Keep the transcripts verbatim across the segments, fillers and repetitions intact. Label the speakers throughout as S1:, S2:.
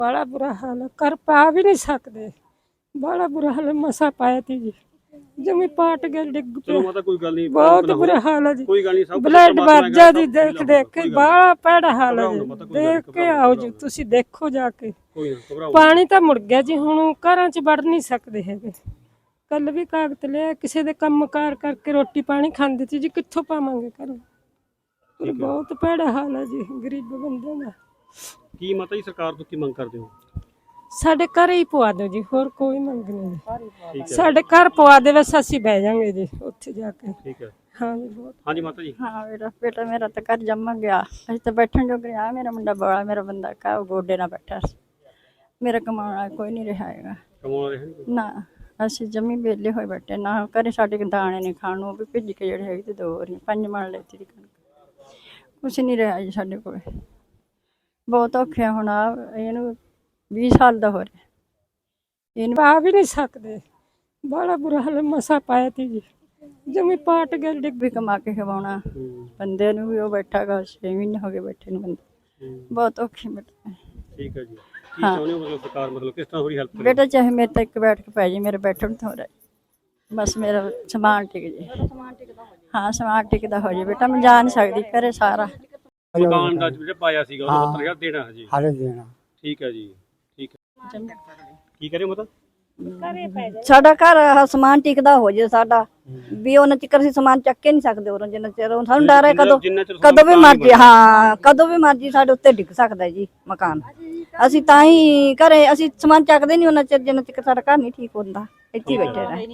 S1: बड़ा बुरा हाल है, कर पा भी नहीं सकते। बड़ा बुरा हाल है, मसा पाया थी जी, जमी पाट गए, डिग पे।
S2: चलो माता कोई गल नहीं,
S1: बहुत बुरा हाल है जी,
S2: कोई गल नहीं, सब
S1: ब्लड
S2: परमात्मा
S1: बच जा
S2: है,
S1: जी,
S2: सब
S1: देख
S2: हीला
S1: देख
S2: होगा,
S1: के
S2: कोई गल नहीं।
S1: बड़ा भैड़ा हाल है
S2: घबराओ
S1: जी,
S2: ना माता, कोई गल
S1: देख
S2: नहीं,
S1: के
S2: घबराओ
S1: आओ
S2: ना,
S1: जी,
S2: घबराओ
S1: तुसी देखो जाके।
S2: कोई ना, घबराओ ना।
S1: पानी तो मुड़ गया जी, हुण घरां च वड़ नहीं सकते हैगे। कल भी कागत लिया, किसी दे काम कार करके रोटी पानी खांदे सी जी, कित्थों पावांगे घरों। पर
S2: ठीक है।
S1: बहुत भैड़ा हाल है जी गरीब बंदे दा।
S2: ਕੀ ਮਾਤਾ ਜੀ ਸਰਕਾਰ ਤੋਂ ਕੀ ਮੰਗ ਕਰਦੇ ਹੋ?
S1: ਸਾਡੇ ਘਰ ਹੀ ਪਵਾ ਦਿਓ ਜੀ, ਹੋਰ ਕੋਈ ਮੰਗ ਨਹੀਂ ਜੀ।
S2: ਠੀਕ ਹੈ,
S1: ਸਾਡੇ ਘਰ ਪਵਾ ਦੇ, ਬਸ ਅਸੀਂ ਬਹਿ ਜਾਾਂਗੇ ਜੀ ਉੱਥੇ ਜਾ ਕੇ।
S2: ਠੀਕ ਹੈ।
S1: ਹਾਂ ਜੀ, ਬਹੁਤ।
S2: ਹਾਂਜੀ ਮਾਤਾ ਜੀ।
S3: हाँ बेटा बेटा मेरा तो घर जम गया, अस तो बैठन जो गया। मेरा मुंडा बड़ा, मेरा बंदा का गोडे ना बैठा, मेरा कमाना कोई नहीं रहा है
S2: ਕਮਾਉਣ ਰਹੇ ਨਹੀਂ
S3: ना। ਅਸੀਂ जमी वेले होए बैठे ना, घरे साढ़े दाने नहीं खाण वो भी भिज के जड़े है दो वारी पंज मन लेती थी कणक, कुछ नहीं रहा जी साढ़े को। बहुत औखे हुण इहनूं बीस साल दा हो रहा,
S1: ਇਹਨੂੰ ਪਾ ਵੀ ਨਹੀਂ ਸਕਦੇ, ਬੜਾ ਬੁਰਾ ਹਾਲ, ਮਸਾ ਪਾਇਆ ਤੀ ਜੀ, ਜਮੀ ਪਾਟ ਗਏ, ਡਿੱਗ
S3: भी कमा के खवाउणा बंदे नूं भी। वो बैठा गा छे महीने हो गए बैठे नूं, बंदे बहुत औखे बैठे।
S2: ਠੀਕ ਹੈ ਜੀ। ਕੀ ਚਾਹੁੰਦੇ ਹੋ ਮਤਲਬ ਸਰਕਾਰ ਮਤਲਬ किस तरह थोड़ी हेल्प करे?
S3: बेटा चाहे मेरे तक बैठ के पै जाए, मेरे बैठन तो हो रहा है, बस मेरा समान टिक जाए। हाँ समान टिकदा हो जाए बेटा, मैं जा नहीं सकती घरे सारा।
S2: ਮਕਾਨ ਦਾ ਜਿਹੜਾ ਪਾਇਆ ਸੀਗਾ ਉਹਨੂੰ ਸੱਤਰ ਹਜ਼ਾਰ ਦੇਣਾ ਹੈ ਜੀ।
S4: ਹਾਲੇ ਦੇਣਾ
S2: ਠੀਕ ਹੈ ਜੀ, ਠੀਕ ਹੈ। ਕੀ ਕਰੇ ਮਤਲਬ?
S3: ਸਾਡਾ ਘਰ ਆਹ ਸਮਾਨ ਟਿਕਦਾ ਹੋ ਜੇ ਸਾਡਾ ਵੀ, ਉਹਨਾਂ ਚਿਕਰ ਅਸੀਂ ਸਮਾਨ ਚੱਕ ਕੇ ਨਹੀਂ ਸਕਦੇ ਉਰੋਂ, ਜਿੰਨਾ ਚਿਰ ਉਹ ਸਾਨੂੰ ਡਰ ਹੈ ਕਦੋਂ
S2: ਜਿੰਨਾ ਚਿਰ
S3: ਕਦੋਂ ਵੀ ਮਰਜੀ। ਹਾਂ ਕਦੋਂ ਵੀ ਮਰਜੀ ਸਾਡੇ ਉੱਤੇ ਡਿੱਗ ਸਕਦਾ ਜੀ ਮਕਾਨ। ਅਸੀਂ ਤਾਂ ਹੀ ਘਰੇ ਅਸੀਂ ਸਮਾਨ ਚੱਕਦੇ ਨਹੀਂ ਉਹਨਾਂ ਚਿਰ ਜਿੰਨਾ ਚਿਰ ਸਾਡਾ ਘਰ ਨਹੀਂ ਠੀਕ ਹੁੰਦਾ, ਇੱਥੇ ਹੀ ਬੈਠੇ ਰਹੇ।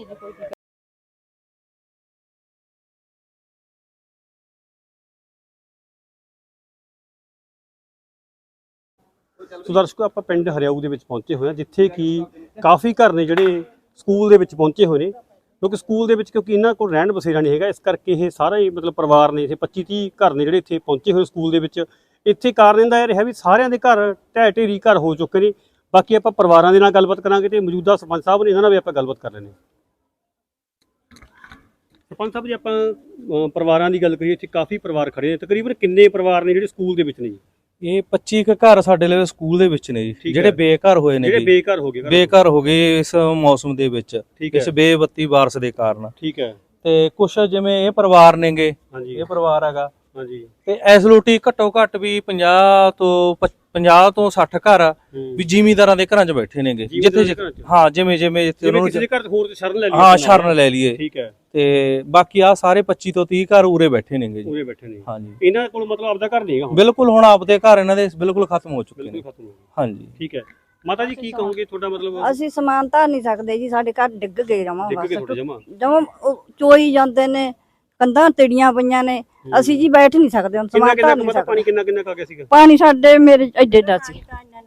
S2: ਸੋ ਦਰਸ਼ਕੋ, ਆਪਾਂ ਪਿੰਡ ਹਰਿਆਊ ਦੇ ਵਿੱਚ ਪਹੁੰਚੇ ਹੋਏ ਹਾਂ, ਜਿੱਥੇ ਕਿ ਕਾਫੀ ਘਰ ਨੇ ਜਿਹੜੇ ਸਕੂਲ ਦੇ ਵਿੱਚ ਪਹੁੰਚੇ ਹੋਏ ਨੇ, ਕਿਉਂਕਿ ਸਕੂਲ ਦੇ ਵਿੱਚ ਕਿਉਂਕਿ ਇਹਨਾਂ ਕੋਲ ਰਹਿਣ ਬਸੇਰਾ ਨਹੀਂ ਹੈਗਾ, ਇਸ ਕਰਕੇ ਇਹ ਸਾਰਾ ਹੀ ਮਤਲਬ ਪਰਿਵਾਰ ਨੇ, ਇੱਥੇ ਪੱਚੀ ਤੀਹ ਘਰ ਨੇ ਜਿਹੜੇ ਇੱਥੇ ਪਹੁੰਚੇ ਹੋਏ ਸਕੂਲ ਦੇ ਵਿੱਚ। ਇੱਥੇ ਕਾਰਨ ਇਹਦਾ ਇਹ ਰਿਹਾ ਵੀ ਸਾਰਿਆਂ ਦੇ ਘਰ ਢਹਿ ਢੇਰੀ ਘਰ ਹੋ ਚੁੱਕੇ ਨੇ। ਬਾਕੀ ਆਪਾਂ ਪਰਿਵਾਰਾਂ ਦੇ ਨਾਲ ਗੱਲਬਾਤ ਕਰਾਂਗੇ ਤੇ ਮੌਜੂਦਾ ਸਰਪੰਚ ਸਾਹਿਬ ਨੇ, ਇਹਨਾਂ ਨਾਲ ਵੀ ਆਪਾਂ ਗੱਲਬਾਤ ਕਰ ਲੈਂਦੇ ਹਾਂ। ਸਰਪੰਚ ਸਾਹਿਬ ਜੀ, ਆਪਾਂ ਅਹ, ਪਰਿਵਾਰਾਂ ਦੀ ਗੱਲ ਕਰੀਏ, ਇੱਥੇ ਕਾਫੀ ਪਰਿਵਾਰ ਖੜੇ ਨੇ, ਤਕਰੀਬਨ ਕਿੰਨੇ ਪਰਿਵਾਰ ਨੇ ਜਿਹੜੇ ਸਕੂਲ ਦੇ ਵਿੱਚ ਨੇ ਜੀ?
S5: ਇਹ ਪੱਚੀ ਕੁ ਘਰ ਸਾਡੇ ਲਈ ਸਕੂਲ ਦੇ ਵਿੱਚ ਨੇ ਜੀ,
S2: ਠੀਕ
S5: ਜਿਹੜੇ
S2: ਹੈ।
S5: ਬੇਘਰ ਹੋਏ ਨੇ
S2: ਜਿਹੜੇ
S5: ਜੀ,
S2: ਬੇਘਰ ਹੋ ਗਏ ਘਰ।
S5: ਬੇਘਰ ਹੋ ਗਏ ਇਸ ਮੌਸਮ ਦੇ ਵਿੱਚ,
S2: ਠੀਕ ਹੈ,
S5: ਇਸ ਬੇਬੱਤੀ ਬਾਰਿਸ਼ ਦੇ ਕਾਰਨ।
S2: ਠੀਕ ਹੈ।
S5: ਤੇ ਕੁਛ ਜਿਵੇਂ ਇਹ ਪਰਿਵਾਰ ਨੇਗੇ,
S2: ਹਾਂਜੀ
S5: ਇਹ ਪਰਿਵਾਰ ਹੈਗਾ,
S2: ਹਾਂਜੀ।
S5: ਤੇ ਇਸ ਲੋਟੀ ਘੱਟੋ ਘੱਟ ਵੀ ਪੰਜਾਹ ਤੋਂ ਪੰਜਾਹ ਤੋਂ ਸੱਠ ਘਰ ਵੀ ਜ਼ਿਮੀਂਦਾਰਾਂ ਦੇ ਘਰਾਂ 'ਚ ਬੈਠੇ ਨੇਗੇ, ਜਿੱਥੇ
S2: ਜ਼ਿਮੀਂਦਾਰਾਂ ਦੇ ਘਰਾਂ 'ਚ?
S5: ਹਾਂ ਜਿਵੇਂ ਜਿਵੇਂ ਜਿੱਥੇ ਉਹਨਾਂ
S2: ਕਿਸੇ ਦੇ
S5: ਨੂੰ
S2: ਘਰ ਹੋਰ ਤੇ ਸ਼ਰਨ ਲੈ ਲਈ
S5: ਹਾਂ ਸ਼ਰਨ ਲੈ ਲਈਏ।
S2: ਠੀਕ ਹੈ।
S5: ਤੇ ਬਾਕੀ ਆ ਸਾਰੇ ਪੱਚੀ ਤੋਂ ਤੀਹ ਘਰ ਉਰੇ ਬੈਠੇ ਨੇਗੇ ਜੀ।
S2: ਉਰੇ ਬੈਠੇ ਨੇ।
S5: ਹਾਂਜੀ
S2: ਇਹਨਾਂ ਕੋਲ ਮਤਲਬ ਆਪਦਾ ਘਰ ਨਹੀਂ ਹੈਗਾ ਹੁਣ?
S5: ਬਿਲਕੁਲ, ਹੁਣ ਆਪਦੇ ਘਰ ਇਹਨਾਂ ਦੇ ਬਿਲਕੁਲ ਖਤਮ ਹੋ ਚੁੱਕੇ
S2: ਬਿਲਕੁਲ
S5: ਨੇ।
S2: ਖਤਮ ਹੋ ਗਏ।
S5: ਹਾਂਜੀ
S2: ਠੀਕ ਹੈ। ਮਾਤਾ ਜੀ ਕੀ ਕਹੋਗੇ, ਤੁਹਾਡਾ ਮਤਲਬ?
S3: ਅਸੀਂ ਸਮਾਨ ਧਾਰ ਨਹੀਂ ਸਕਦੇ ਜੀ, ਸਾਡੇ ਘਰ ਡਿੱਗ ਗਏ ਜਮਾਂ,
S2: ਡਿੱਗ
S3: ਬਸ
S2: ਕੇ ਤੁਹਾਡੇ ਜਮਾ?
S3: ਜਮਾਂ ਉਹ ਚੋਈ ਜਾਂਦੇ ਨੇ, ਕੰਧਾਂ ਤਿੜੀਆਂ ਪਈਆਂ ਨੇ, ਅਸੀਂ ਜੀ ਬੈਠ ਨਹੀਂ ਸਕਦੇ ਹੁਣ,
S2: ਕਿੰਨਾ
S3: ਸਮਾਨ
S2: ਕਿੰਨਾ
S3: ਧਾਰ
S2: ਕੁ
S3: ਨਹੀਂ
S2: ਮਤਲਬ ਪਾਣੀ
S3: ਸਕਦੇ।
S2: ਕਿੰਨਾ ਕਿੰਨਾ ਕਾ ਗਿਆ ਸੀਗਾ?
S3: ਪਾਣੀ ਸਾਡੇ ਮੇਰੇ ਐਡੇ ਦਾ ਸੀ,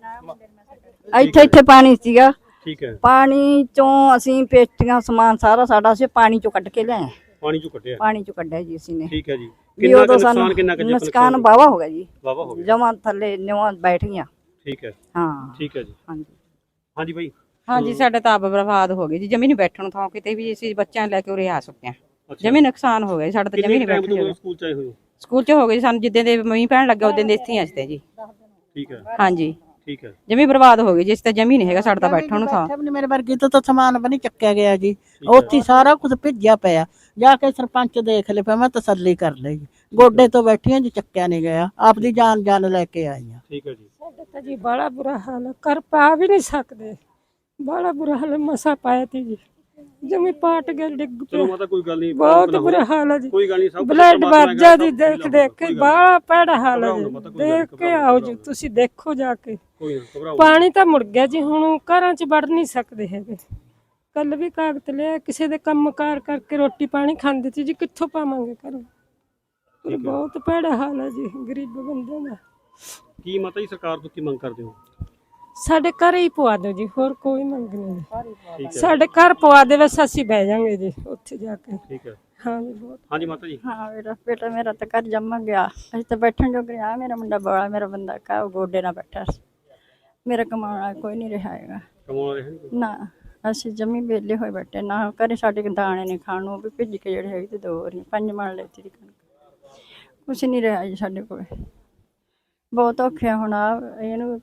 S3: ਇੱਥੇ ਇੱਥੇ ਪਾਣੀ ਸੀਗਾ।
S2: ਠੀਕ ਹੈ।
S3: ਪਾਣੀ ਚੋਂ ਅਸੀਂ ਪੇਟੀਆਂ ਸਮਾਨ ਸਾਰਾ ਸਾਡਾ ਅਸੀਂ ਪਾਣੀ ਚੋਂ ਕੱਢ ਕੇ ਲਿਆਏ,
S2: ਪਾਣੀ ਚੋਂ ਕੱਢਿਆ?
S3: ਪਾਣੀ ਚੋਂ ਕੱਢਿਆ ਜੀ ਅਸੀਂ ਨੇ।
S2: ਠੀਕ ਹੈ ਜੀ।
S3: ਵੀ
S2: ਕਿੰਨਾ ਕੁ
S3: ਉਦੋਂ
S2: ਨੁਕਸਾਨ,
S3: ਸਾਨੂੰ
S2: ਕਿੰਨਾ ਕੁ ਜੀ?
S3: ਨੁਕਸਾਨ ਵਾਹਵਾ ਹੋ ਗਿਆ ਜੀ,
S2: ਵਾਹਵਾ ਹੋ ਗਿਆ।
S3: ਜਮਾਂ ਥੱਲੇ ਨਿਵਾਂ ਬੈਠ ਗਈਆਂ।
S2: ਠੀਕ ਹੈ,
S3: ਹਾਂ
S2: ਠੀਕ ਹੈ ਜੀ।
S3: ਹਾਂਜੀ
S2: ਹਾਂਜੀ ਬਾਈ।
S6: ਹਾਂਜੀ, ਸਾਡੇ ਤਾਂ ਆਪ ਬਰਬਾਦ ਹੋ ਗਏ ਜੀ, ਜਮੀ ਨਹੀਂ ਬੈਠਣ ਨੂੰ ਥਾਂ ਕਿਤੇ ਵੀ। ਅਸੀਂ ਬੱਚਿਆਂ ਨੂੰ ਲੈ ਕੇ ਉਰੇ ਆ ਸੁੱਕੇ ਹਾਂ,
S2: ਅੱਛਾ।
S6: ਜਮੀ ਨੁਕਸਾਨ ਹੋ ਗਿਆ ਸਾਡਾ ਤਾਂ, ਜਮੀ ਨਹੀਂ
S2: ਕਿੰਨੇ
S6: ਬੈਠਣ
S2: ਟਾਈਮ ਤੋਂ
S6: ਜੋਗਾ।
S2: ਸਕੂਲ ਚ ਆਏ ਹੋਏ ਹੋ?
S6: ਸਕੂਲ ਚ ਹੋ ਗਏ ਜੀ ਸਾਨੂੰ, ਜਿੱਦਾਂ ਦੇ ਮੀਂਹ ਪੈਣ ਲੱਗਾ ਉਦੋਂ ਦੇ ਇੱਥੇ ਹੀ ਅਸੀਂ ਜੀ।
S2: ਠੀਕ ਹੈ,
S6: ਹਾਂਜੀ,
S2: ਠੀਕ ਹੈ।
S6: ਜਮੀ ਬਰਬਾਦ ਹੋ ਗਈ ਜੀ, ਇਸ ਤਾਂ ਜਮੀ ਨਹੀਂ ਹੈਗਾ ਸਾਡਾ ਤਾਂ ਬੈਠਣ ਨੂੰ ਥਾਂ।
S7: ਮੇਰੇ ਵਰਗੀ ਤੋਂ ਤਾਂ ਸਮਾਨ ਵੀ ਨਹੀਂ ਚੱਕਿਆ ਗਿਆ ਜੀ, ਉੱਥੇ ਸਾਰਾ ਕੁਝ ਭਿੱਜਿਆ ਪਿਆ। ਜਾ ਕੇ ਸਰਪੰਚ ਦੇਖ ਲੈ, ਫਿਰ ਮੈਂ ਤਸੱਲੀ ਕਰ ਲਈ। ਗੋਡੇ ਤੋਂ ਬੈਠੀਆਂ ਜੀ, ਚੱਕਿਆ ਨਹੀਂ ਗਿਆ, ਆਪਦੀ ਜਾਨ ਜਾਨ ਲੈ ਕੇ ਆਈਆਂ।
S2: ਠੀਕ ਹੈ ਜੀ।
S1: ਸਾਡੇ ਤਾਂ ਜੀ ਬੜਾ ਬੁਰਾ ਹਾਲ ਹੈ, ਕਰ ਪਾ ਵੀ ਨਹੀਂ ਸਕਦੇ, ਬੜਾ ਬੁਰਾ ਹਾਲ, ਮਸਾ ਪਾਇਆ ਤੀ ਜੀ, ਜਮੀ ਪਾਟ ਗਏ, ਡਿੱਗ
S2: ਚਲੋ
S1: पे।
S2: ਮਾਤਾ ਕੋਈ ਗੱਲ ਨਹੀਂ,
S1: बहुत बुरा हाल है जी,
S2: ਕੋਈ ਗੱਲ ਨਹੀਂ, ਸਭ
S1: ब्लड बच जा जी, देख देख के बड़ा भैड़ा हाल है जी, देख के आओ जी, तुसी देखो जाके।
S2: ਕੋਈ ਨਾ, ਘਬਰਾਓ।
S1: पानी तो मुड़ गया जी, हुण घरां च वड़ नहीं सकते हैगे। कल भी कागत लिया, किसी दे काम कार करके रोटी पानी खांदे सी जी, कित्थों पावांगे घरों। पर बहुत भैड़ा हाल है जी गरीब बंदे दा।
S2: ਕੀ ਮਾਤਾ ਜੀ ਸਰਕਾਰ ਤੋਂ ਕੀ ਮੰਗ ਕਰਦੇ ਹੋ?
S1: ਸਾਡੇ ਘਰ ਹੀ ਪਵਾ ਦਿਓ ਜੀ, ਹੋਰ ਕੋਈ ਮੰਗ ਨਹੀਂ।
S2: ਠੀਕ ਹੈ,
S1: ਸਾਡੇ ਘਰ ਪਵਾ ਦੇ, ਬਸ ਅਸੀਂ ਬਹਿ ਜਾਾਂਗੇ ਜੀ ਉੱਥੇ ਜਾ ਕੇ।
S2: ਠੀਕ ਹੈ।
S1: ਹਾਂ ਜੀ, ਬਹੁਤ।
S2: ਹਾਂਜੀ ਮਾਤਾ ਜੀ।
S3: ਹਾਂ बेटा बेटा मेरा तो घर जम गया, अस तो बैठन जो गया। मेरा मुंडा बड़ा, मेरा बंदा का गोडे ना बैठा, मेरा कमाना कोई नहीं रहा है
S2: ਕਮਾਉਣ ਰਹੇ ਨਹੀਂ?
S3: ना। ਅਸੀਂ ਜਮੀ ਵੇਲੇ ਹੋਏ ਬੈਠੇ ਨਾ, ਘਰੇ ਸਾਡੇ ਦਾਣੇ ਨਹੀਂ ਖਾਣ ਨੂੰ, ਵੀ ਭਿੱਜ ਕੇ ਜਿਹੜੇ ਹੈਗੇ ਤੇ ਦੋ ਵਾਰੀ ਪੰਜ ਮਣ ਲੈਤੀ ਦੀ ਕਣਕ, ਕੁਛ ਨਹੀਂ ਰਿਹਾ ਜੀ ਸਾਡੇ ਕੋਲ। ਬਹੁਤ ਔਖੇ ਹੁਣ ਇਹਨੂੰ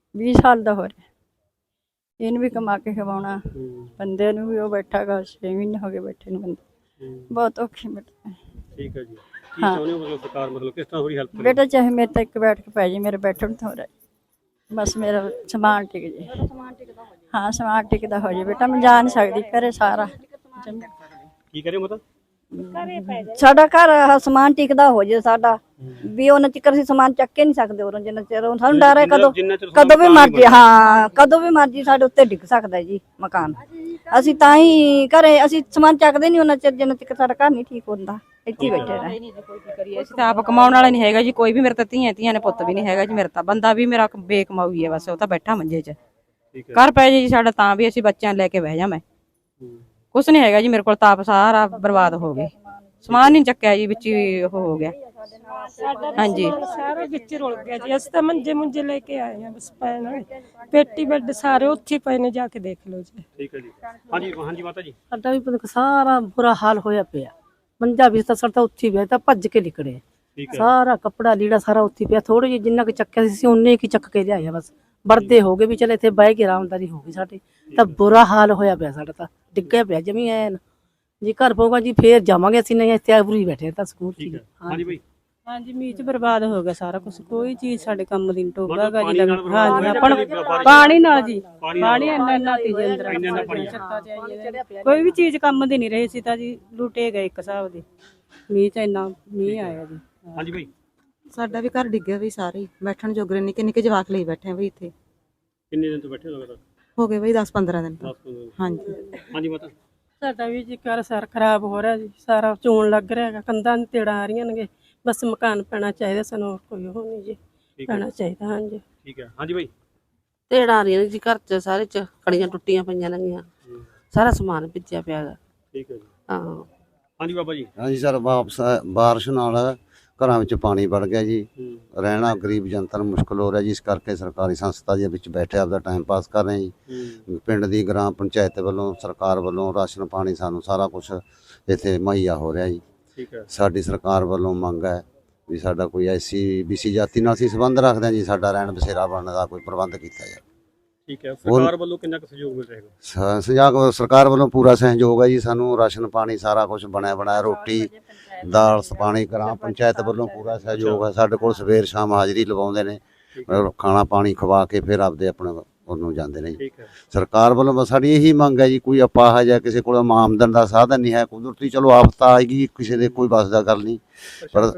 S3: ਵੀਹ ਸਾਲ ਦਾ ਹੋ ਰਿਹਾ, ਇਹਨੂੰ ਵੀ ਕਮਾ ਕੇ ਖਵਾਉਣਾ, ਬੰਦੇ ਨੂੰ ਵੀ ਉਹ ਬੈਠਾ ਗਾ ਛੇ ਮਹੀਨੇ ਹੋ ਗਏ ਬੈਠੇ ਨੂੰ, ਬੰਦੇ ਬਹੁਤ ਔਖੀ ਬੇਟਾ।
S2: ਠੀਕ ਹੈ ਜੀ, ਕੀ ਚਾਹੁੰਦੇ ਹੋ ਮਤਲਬ ਸਰਕਾਰ ਮਤਲਬ ਕਿਸ ਤਰ੍ਹਾਂ ਥੋੜੀ ਹੈਲਪ ਕਰੇ?
S3: ਬੇਟਾ ਚਾਹੇ ਮੇਰੇ ਤਾਂ ਇੱਕ ਬੈਠ ਕੇ ਪੈ ਜੇ, ਮੇਰੇ ਬੈਠਣ ਤੋਂ ਹੋ ਰਿਹਾ, ਬਸ ਮੇਰਾ ਸਮਾਨ ਟਿਕ ਜੇ। ਹਾਂ ਸਮਾਨ ਟਿਕਦਾ ਹੋ ਜੇ ਬੇਟਾ, ਮੈਂ ਜਾ ਨਹੀਂ ਸਕਦੀ ਘਰੇ ਸਾਰਾ।
S2: ਕੀ ਕਰੇ ਮਤਲਬ
S4: ਸਾਡਾ ਘਰ ਆਹ ਸਮਾਨ ਟਿਕਦਾ ਹੋ ਜੇ ਸਾਡਾ, ਵੀ ਉਹਨਾਂ ਚਿਕਰ ਅਸੀਂ ਸਮਾਨ ਚੱਕ ਕੇ ਨਹੀਂ ਸਕਦੇ ਉਰੋਂ, ਜਿੰਨਾ ਚਿਰ ਉਹ ਸਾਨੂੰ ਡਰ ਹੈ ਕਦੋਂ ਕਦੋਂ ਵੀ ਮਰਜੀ, ਹਾਂ ਕਦੋਂ ਵੀ ਮਰਜੀ ਸਾਡੇ ਉੱਤੇ ਡਿੱਗ ਸਕਦਾ ਜੀ ਮਕਾਨ। ਅਸੀਂ ਤਾਂ ਹੀ ਘਰੇ ਅਸੀਂ ਸਮਾਨ ਚੱਕਦੇ ਨਹੀਂ ਉਹਨਾਂ ਚਿਰ ਜਿੰਨਾ ਚਿਰ ਸਾਡਾ ਘਰ ਨਹੀਂ ਠੀਕ ਹੁੰਦਾ, ਇੱਥੇ ਹੀ ਬੈਠੇ ਰਹੇ।
S6: ਅਸੀਂ ਤਾਂ ਆਪ ਕਮਾਉਣ ਵਾਲਾ ਨਹੀਂ ਹੈਗਾ ਜੀ, ਕੋਈ ਵੀ ਮੇਰੇ ਤਾਂ ਧੀਆਂ ਧੀਆਂ ਨੇ ਪੁੱਤ ਵੀ ਨਹੀਂ ਹੈਗਾ ਜੀ, ਮੇਰਾ ਤਾਂ ਬੰਦਾ ਵੀ ਮੇਰਾ ਬੇਕਮਾਊ ਹੀ ਹੈ, ਬਸ ਉਹ ਤਾਂ ਬੈਠਾ ਮੰਜੇ 'ਚ। ਘਰ ਪੈ ਜੇ ਜੀ ਸਾਡਾ ਤਾਂ ਵੀ ਅਸੀਂ ਬੱਚਿਆਂ ਲੈ ਕੇ ਬਹਿ ਜਾ, ਮੈਂ ਕੁਛ ਨਹੀਂ ਹੈਗਾ ਜੀ ਮੇਰੇ ਕੋਲ, ਤਾਂ ਆਪ ਸਾਰਾ ਬਰਬਾਦ ਹੋ ਗਏ, ਸਮਾਨ ਨਹੀਂ ਚੱਕਿਆ ਜੀ, ਵਿੱਚ ਹੀ ਉਹ ਹੋ ਗਿਆ। ਹਾਂਜੀ
S1: ਸਾਰਾ ਵਿੱਚ ਰੁਲ ਗਿਆ ਜੀ, ਅਸੀਂ ਤਾਂ ਮੰਜੇ ਮੁੰਜੇ ਲੈ ਕੇ ਆਏ ਆ ਬਸ ਪੈਣ ਵਾਲੇ, ਪੇਟੀ ਬੈੱਡ ਸਾਰੇ ਉੱਥੇ ਪਏ ਨੇ, ਜਾ ਕੇ ਦੇਖ ਲਓ ਜੀ।
S2: ਠੀਕ ਹੈ ਜੀ, ਹਾਂਜੀ ਹਾਂਜੀ ਮਾਤਾ ਜੀ।
S8: ਸਾਡਾ ਵੀ ਪਤਾ ਸਾਰਾ ਬੁਰਾ ਹਾਲ ਹੋਇਆ ਪਿਆ, ਮੰਜਾ ਵੀ ਤਾਂ ਸਾਡਾ ਉੱਥੇ ਪਿਆ, ਤਾਂ ਭੱਜ ਕੇ ਨਿਕਲੇ ਸਾਰਾ ਕੱਪੜਾ ਲੀੜਾ ਸਾਰਾ ਉੱਥੇ ਪਿਆ, ਥੋੜੇ ਜਿਹੇ ਜਿੰਨਾ ਕੁ ਚੱਕਿਆ ਸੀ ਉਹਨੇ ਕੀ ਚੱਕ ਕੇ ਲਿਆਇਆ, ਬਸ ਵਰਦੇ ਹੋ ਗਏ ਵੀ ਚਲ ਇੱਥੇ ਬਹਿ ਕੇ ਆਰਾਮਦਾਰੀ ਹੋ ਗਈ ਸਾਡੇ, ਤਾਂ ਬੁਰਾ ਹਾਲ ਹੋਇਆ ਪਿਆ ਸਾਡਾ, ਤਾਂ ਡਿੱਗਿਆ ਪਿਆ ਜਮੀ ਐਨ। ਜੀ ਘਰ ਪਊਗਾ ਜੀ ਫੇਰ ਜਾਵਾਂਗੇ ਅਸੀਂ, ਨਹੀਂ ਇੱਥੇ ਆਬਰੂ ਹੀ ਬੈਠੇ ਤਾਂ ਸਕੂਲ ਚ।
S2: ਹਾਂਜੀ ਬਈ,
S8: ਹਾਂਜੀ ਮੀਂਹ ਚ ਬਰਬਾਦ ਹੋ ਗਿਆ ਸਾਰਾ ਕੁਝ, ਕੋਈ ਚੀਜ਼ ਸਾਡੇ ਕੰਮ ਦੀ ਟੋਗਾ ਗਾ ਜੀ।
S2: ਪਾਣੀ ਨਾਲ
S8: ਹਾਂਜੀ ਆਪਾਂ ਨੂੰ ਪਾਣੀ ਨਾਲ ਜੀ, ਪਾਣੀ ਇੰਨਾ ਇੰਨਾ ਤੀ ਜੀ ਅੰਦਰ, ਕੋਈ ਵੀ ਚੀਜ਼ ਕੰਮ ਦੀ ਨਹੀਂ ਰਹੀ ਸੀ ਤਾਂ ਜੀ, ਲੁੱਟੇ ਗਏ ਇੱਕ ਹਿਸਾਬ ਦੇ, ਮੀਂਹ ਚ ਇੰਨਾ ਮੀਂਹ ਆਇਆ ਜੀ।
S2: ਹਾਂਜੀ ਬਈ,
S9: ਸਾਡਾ ਵੀ ਘਰ ਡਿੱਗਿਆ ਵੀ ਸਾਰੇ, ਬੈਠਣ ਜੋਗਰੇ ਨਿੱਕੇ ਨਿੱਕੇ ਜਵਾਕ ਲਈ ਬੈਠੇ ਆ ਵੀ ਇੱਥੇ।
S2: ਕਿੰਨੇ ਦਿਨ ਤੋਂ ਬੈਠੇ ਹੋ ਲਗਾਤਾਰ?
S9: ਹੋ ਗਏ ਬਈ ਦਸ ਪੰਦਰਾਂ ਦਿਨ ਤੋਂ।
S2: ਦਸ ਪੰਦਰਾਂ ਦਿਨ।
S9: ਹਾਂਜੀ
S2: ਹਾਂਜੀ ਮਾਤਾ।
S8: ਸਾਡਾ ਵੀ ਜੀ ਘਰ ਸਾਰਾ ਖਰਾਬ ਹੋ ਰਿਹਾ ਜੀ, ਸਾਰਾ ਚੋਣ ਲੱਗ ਰਿਹਾ ਹੈਗਾ, ਕੰਧਾਂ ਨੂੰ ਤੇੜਾਂ ਆ ਰਹੀਆਂ ਨੇ, ਬਸ ਮਕਾਨ ਪੈਣਾ ਚਾਹੀਦਾ ਸਾਨੂੰ, ਹੋਰ ਕੋਈ ਉਹ ਨਹੀਂ ਜੀ, ਪੈਣਾ ਚਾਹੀਦਾ। ਹਾਂਜੀ
S2: ਠੀਕ ਹੈ, ਹਾਂਜੀ ਬਈ।
S10: ਤੇੜਾਂ ਆ ਰਹੀਆਂ ਨੇ ਜੀ ਘਰ ਚ, ਸਾਰੇ ਚ ਕੜੀਆਂ ਟੁੱਟੀਆਂ ਪਈਆਂ ਨੇਗੀਆਂ, ਸਾਰਾ ਸਮਾਨ ਭਿੱਜਿਆ ਪਿਆ ਗਾ।
S2: ਠੀਕ ਹੈ ਜੀ,
S10: ਹਾਂ
S2: ਹਾਂਜੀ ਬਾਬਾ ਜੀ।
S11: ਹਾਂਜੀ ਸਰ, ਵਾਪਸ ਬਾਰਿਸ਼ ਨਾਲ ਘਰਾਂ ਵਿੱਚ ਪਾਣੀ ਵੜ ਗਿਆ ਜੀ, ਰਹਿਣਾ ਗਰੀਬ ਜਨਤਾ ਨੂੰ ਮੁਸ਼ਕਲ ਹੋ ਰਿਹਾ ਜੀ, ਇਸ ਕਰਕੇ ਸਰਕਾਰੀ ਸੰਸਥਾ ਦੇ ਵਿੱਚ ਬੈਠੇ ਆਪਦਾ ਟਾਈਮ ਪਾਸ ਕਰ ਰਹੇ ਜੀ। ਪਿੰਡ ਦੀ ਗ੍ਰਾਮ ਪੰਚਾਇਤ ਵੱਲੋਂ, ਸਰਕਾਰ ਵੱਲੋਂ ਰਾਸ਼ਨ ਪਾਣੀ ਸਾਨੂੰ ਸਾਰਾ ਕੁਝ ਇੱਥੇ ਮੁਹੱਈਆ ਹੋ ਰਿਹਾ ਜੀ।
S2: ਠੀਕ ਹੈ,
S11: ਸਾਡੀ ਸਰਕਾਰ ਵੱਲੋਂ ਮੰਗ ਹੈ ਵੀ ਸਾਡਾ ਕੋਈ ਐਸੀ ਬੀਸੀ ਜਾਤੀ ਨਾਲ ਅਸੀਂ ਸੰਬੰਧ ਰੱਖਦੇ ਹਾਂ ਜੀ, ਸਾਡਾ ਰਹਿਣ ਬਸੇਰਾ ਬਣਨ ਦਾ ਕੋਈ ਪ੍ਰਬੰਧ ਕੀਤਾ ਜਾਵੇ।
S2: ਠੀਕ ਹੈ, ਸਰਕਾਰ ਵੱਲੋਂ ਕਿੰਨਾ ਕੁ ਸਹਿਯੋਗ ਮਿਲ ਰਿਹਾ ਹੈ?
S11: ਸਹਿਯੋਗ ਸਰਕਾਰ ਵੱਲੋਂ ਪੂਰਾ ਸਹਿਯੋਗ ਹੈ ਜੀ, ਸਾਨੂੰ ਰਾਸ਼ਨ ਪਾਣੀ ਸਾਰਾ ਕੁਝ ਬਣਿਆ ਬਣਾਇਆ, ਰੋਟੀ ਦਾਲ ਪਾਣੀ, ਗ੍ਰਾਮ ਪੰਚਾਇਤ ਵੱਲੋਂ ਪੂਰਾ ਸਹਿਯੋਗ ਹੈ। ਸਾਡੇ ਕੋਲ ਸਵੇਰ ਸ਼ਾਮ ਹਾਜ਼ਰੀ ਲਵਾਉਂਦੇ ਨੇ, ਖਾਣਾ ਪਾਣੀ ਖਵਾ ਕੇ ਫਿਰ ਆਪਦੇ ਆਪਣੇ ਉਹਨੂੰ ਜਾਂਦੇ ਨੇ ਜੀ। ਸਰਕਾਰ ਵੱਲੋਂ ਬਸ ਸਾਡੀ ਇਹੀ ਮੰਗ ਹੈ ਜੀ, ਕੋਈ ਅਪਾਹਜ ਜਾਂ ਕਿਸੇ ਕੋਲ ਆਮਦਨ ਦਾ ਸਾਧਨ ਨਹੀਂ ਹੈ, ਕੁਦਰਤੀ ਚਲੋ ਆਫਤ ਆਏਗੀ, ਕਿਸੇ ਦੇ ਕੋਈ ਬਸ ਦਾ ਗੱਲ ਨਹੀਂ, ਪਰ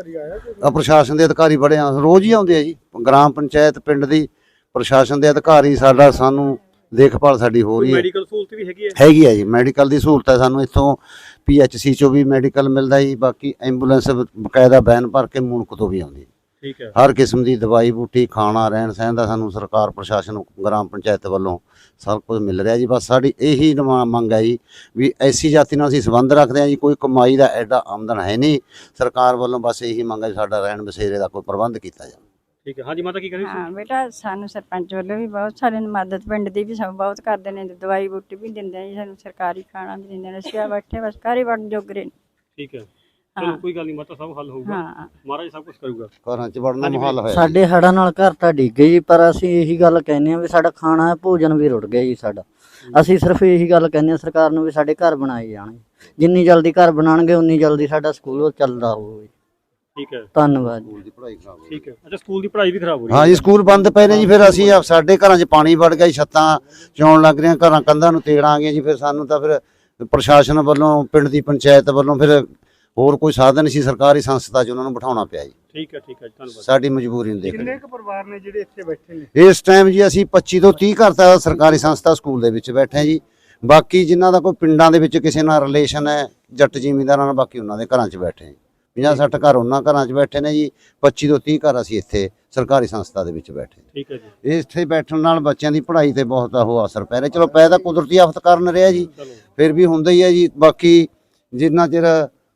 S11: ਪ੍ਰਸ਼ਾਸਨ ਦੇ ਅਧਿਕਾਰੀ ਬੜੇ ਰੋਜ਼ ਹੀ ਆਉਂਦੇ ਆ ਜੀ, ਗ੍ਰਾਮ ਪੰਚਾਇਤ ਪਿੰਡ ਦੀ ਪ੍ਰਸ਼ਾਸਨ ਦੇ ਅਧਿਕਾਰੀ ਸਾਡਾ ਸਾਨੂੰ ਦੇਖਭਾਲ ਸਾਡੀ ਹੋ ਰਹੀ ਹੈ।
S2: ਮੈਡੀਕਲ ਸਹੂਲਤ ਵੀ ਹੈਗੀ ਹੈ?
S11: ਹੈਗੀ ਹੈ ਜੀ, ਮੈਡੀਕਲ ਦੀ ਸਹੂਲਤ ਹੈ ਸਾਨੂੰ ਇੱਥੋਂ ਪੀ ਐਚ ਸੀ ਚੋਂ ਵੀ ਮੈਡੀਕਲ ਮਿਲਦਾ ਜੀ, ਬਾਕੀ ਐਂਬੂਲੈਂਸ ਬਕਾਇਦਾ ਵੈਨ ਭਰ ਕੇ ਮੁਲਕ ਤੋਂ ਵੀ ਆਉਂਦੀ।
S2: ਠੀਕ ਹੈ,
S11: ਹਰ ਕਿਸਮ ਦੀ ਦਵਾਈ ਬੂਟੀ, ਖਾਣਾ, ਰਹਿਣ ਸਹਿਣ ਦਾ ਸਾਨੂੰ ਸਰਕਾਰ ਪ੍ਰਸ਼ਾਸਨ ਗ੍ਰਾਮ ਪੰਚਾਇਤ ਵੱਲੋਂ ਸਭ ਕੁਝ ਮਿਲ ਰਿਹਾ ਜੀ। ਬਸ ਸਾਡੀ ਇਹੀ ਮੰਗ ਹੈ ਜੀ ਵੀ ਐਸੀ ਜਾਤੀ ਨਾਲ ਅਸੀਂ ਸੰਬੰਧ ਰੱਖਦੇ ਹਾਂ ਜੀ, ਕੋਈ ਕਮਾਈ ਦਾ ਐਡਾ ਆਮਦਨ ਹੈ ਨਹੀਂ, ਸਰਕਾਰ ਵੱਲੋਂ ਬਸ ਇਹੀ ਮੰਗ ਹੈ ਸਾਡਾ ਰਹਿਣ ਬਸੇਰੇ ਦਾ ਕੋਈ ਪ੍ਰਬੰਧ ਕੀਤਾ ਜਾਵੇ।
S2: ਠੀਕ ਹੈ, ਹਾਂਜੀ ਮਾਤਾ ਕੀ ਕਰੀ?
S3: ਹਾਂ ਬੇਟਾ, ਸਾਨੂੰ ਸਰਪੰਚ ਵੱਲੋਂ ਵੀ ਬਹੁਤ ਸਾਰੇ ਮਦਦ, ਪਿੰਡ ਦੀ ਵੀ ਸਭ ਬਹੁਤ ਕਰਦੇ ਨੇ, ਦਵਾਈ ਬੂਟੀ ਵੀ ਦਿੰਦੇ ਨੇ ਜੀ, ਸਾਨੂੰ ਸਰਕਾਰੀ ਖਾਣਾ ਵੀ ਦਿੰਦੇ ਨੇ, ਅਸੀਂ ਆ ਬੈਠੇ ਬਸ ਘਰ ਹੀ ਵੜਨ ਜੋਗਰੇ ਨੇ।
S2: ਠੀਕ ਹੈ, ਚਲੋ ਕੋਈ ਗੱਲ ਨਹੀਂ ਮਾਤਾ, ਸਭ ਹੱਲ ਹੋਊਗਾ,
S3: ਹਾਂ
S2: ਮਹਾਰਾਜ ਸਭ ਕੁਝ ਕਰੂਗਾ।
S11: ਘਰਾਂ 'ਚ ਵੜਨਾ ਮੁਹਾਲ ਹੋਇਆ।
S12: ਸਾਡੇ ਹੜ੍ਹਾਂ ਨਾਲ ਘਰ ਤਾਂ ਡਿੱਗ ਗਏ ਜੀ, ਪਰ ਅਸੀਂ ਇਹੀ ਗੱਲ ਕਹਿੰਦੇ ਆ ਵੀ ਸਾਡਾ ਖਾਣਾ ਭੋਜਨ ਵੀ ਰੁੜ ਗਿਆ ਜੀ ਸਾਡਾ। ਅਸੀਂ ਸਿਰਫ ਇਹੀ ਗੱਲ ਕਹਿੰਦੇ ਆ ਸਰਕਾਰ ਨੂੰ ਵੀ ਸਾਡੇ ਘਰ ਬਣਾਏ ਜਾਣ, ਜਿੰਨੀ ਜਲਦੀ ਘਰ ਬਣਾਉਣਗੇ ਉਨੀ ਜਲਦੀ ਸਾਡਾ ਸਕੂਲ ਚੱਲਦਾ ਹੋਵੇ।
S2: ਠੀਕ ਹੈ,
S12: ਧੰਨਵਾਦ ਜੀ।
S11: ਸਕੂਲ ਦੀ ਪੜ੍ਹਾਈ ਖਰਾਬ ਹੋ
S2: ਠੀਕ ਹੈ, ਅੱਛਾ ਸਕੂਲ ਦੀ ਪੜ੍ਹਾਈ ਵੀ ਖਰਾਬ ਹੋ ਰਹੀ ਹੈ?
S11: ਹਾਂ ਜੀ, ਸਕੂਲ ਬੰਦ ਪਏ ਨੇ ਜੀ, ਫਿਰ ਅਸੀਂ ਸਾਡੇ ਘਰਾਂ 'ਚ ਪਾਣੀ ਵੜ ਗਿਆ ਜੀ, ਛੱਤਾਂ ਚੌਣ ਲੱਗ ਰਹੀਆਂ, ਘਰਾਂ ਕੰਧਾਂ ਨੂੰ ਤੇੜਾਂ ਆ ਗਈਆਂ ਜੀ, ਫਿਰ ਸਾਨੂੰ ਤਾਂ ਫਿਰ ਪ੍ਰਸ਼ਾਸਨ ਵੱਲੋਂ, ਪਿੰਡ ਦੀ ਪੰਚਾਇਤ ਵੱਲੋਂ ਫਿਰ ਹੋਰ ਕੋਈ ਸਾਧਨ ਸੀ, ਸਰਕਾਰੀ ਸੰਸਥਾ 'ਚ ਉਹਨਾਂ ਨੂੰ ਬਿਠਾਉਣਾ ਪਿਆ ਜੀ।
S2: ਠੀਕ ਹੈ, ਠੀਕ ਹੈ, ਧੰਨਵਾਦ।
S11: ਸਾਡੀ ਮਜਬੂਰੀ ਨੂੰ ਦੇਖ
S2: ਕਿੰਨੇ ਕੁ ਪਰਿਵਾਰ ਨੇ ਜਿਹੜੇ ਇੱਥੇ ਬੈਠੇ ਨੇ
S11: ਇਸ ਟਾਈਮ ਜੀ? ਅਸੀਂ ਪੱਚੀ ਤੋਂ ਤੀਹ ਘਰ ਤਾਂ ਸਰਕਾਰੀ ਸੰਸਥਾ ਸਕੂਲ ਦੇ ਵਿੱਚ ਬੈਠੇ ਹਾਂ ਜੀ, ਬਾਕੀ ਜਿਨ੍ਹਾਂ ਦਾ ਕੋਈ ਪਿੰਡਾਂ ਦੇ ਵਿੱਚ ਕਿਸੇ ਨਾਲ ਰਿਲੇਸ਼ਨ ਹੈ ਜੱਟ ਜ਼ਿਮੀਂਦਾਰਾਂ ਨਾਲ, ਬਾਕੀ ਉਹਨਾਂ ਦੇ ਘਰਾਂ 'ਚ ਬੈਠੇ ਹਾਂ। ਪੰਜਾਹ ਸੱਠ ਘਰ ਉਹਨਾਂ ਘਰਾਂ 'ਚ ਬੈਠੇ ਨੇ ਜੀ, ਪੱਚੀ ਤੋਂ ਤੀਹ ਘਰ ਅਸੀਂ ਇੱਥੇ ਸਰਕਾਰੀ ਸੰਸਥਾ ਦੇ ਵਿੱਚ ਬੈਠੇ।
S2: ਠੀਕ ਹੈ ਜੀ,
S11: ਇੱਥੇ ਬੈਠਣ ਨਾਲ ਬੱਚਿਆਂ ਦੀ ਪੜ੍ਹਾਈ ਤੇ ਬਹੁਤ ਉਹ ਅਸਰ ਪੈ ਰਿਹਾ। ਚਲੋ ਪੈ ਤਾਂ ਕੁਦਰਤੀ ਆਫਤ ਕਾਰਨ ਰਿਹਾ ਜੀ, ਫਿਰ ਵੀ ਹੁੰਦਾ ਹੀ ਹੈ ਜੀ। ਬਾਕੀ ਜਿੰਨਾ ਚਿਰ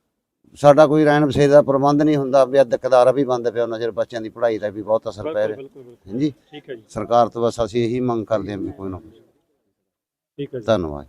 S11: ਸਾਡਾ ਕੋਈ ਰਹਿਣ ਬਸੇਰੇ ਦਾ ਪ੍ਰਬੰਧ ਨਹੀਂ ਹੁੰਦਾ, ਵੀ ਅਧਿਕਾਰਾ ਵੀ ਬੰਦ ਪਿਆ, ਉਹਨਾਂ ਚਿਰ ਬੱਚਿਆਂ ਦੀ ਪੜ੍ਹਾਈ ਦਾ ਵੀ ਬਹੁਤ ਅਸਰ ਪੈ ਰਿਹਾ। ਹਾਂਜੀ,
S2: ਠੀਕ ਹੈ ਜੀ,
S11: ਸਰਕਾਰ ਤੋਂ ਬਸ ਅਸੀਂ ਇਹੀ ਮੰਗ ਕਰਦੇ ਹਾਂ ਵੀ ਕੋਈ ਨਾ।
S2: ਠੀਕ ਹੈ ਜੀ,
S11: ਧੰਨਵਾਦ।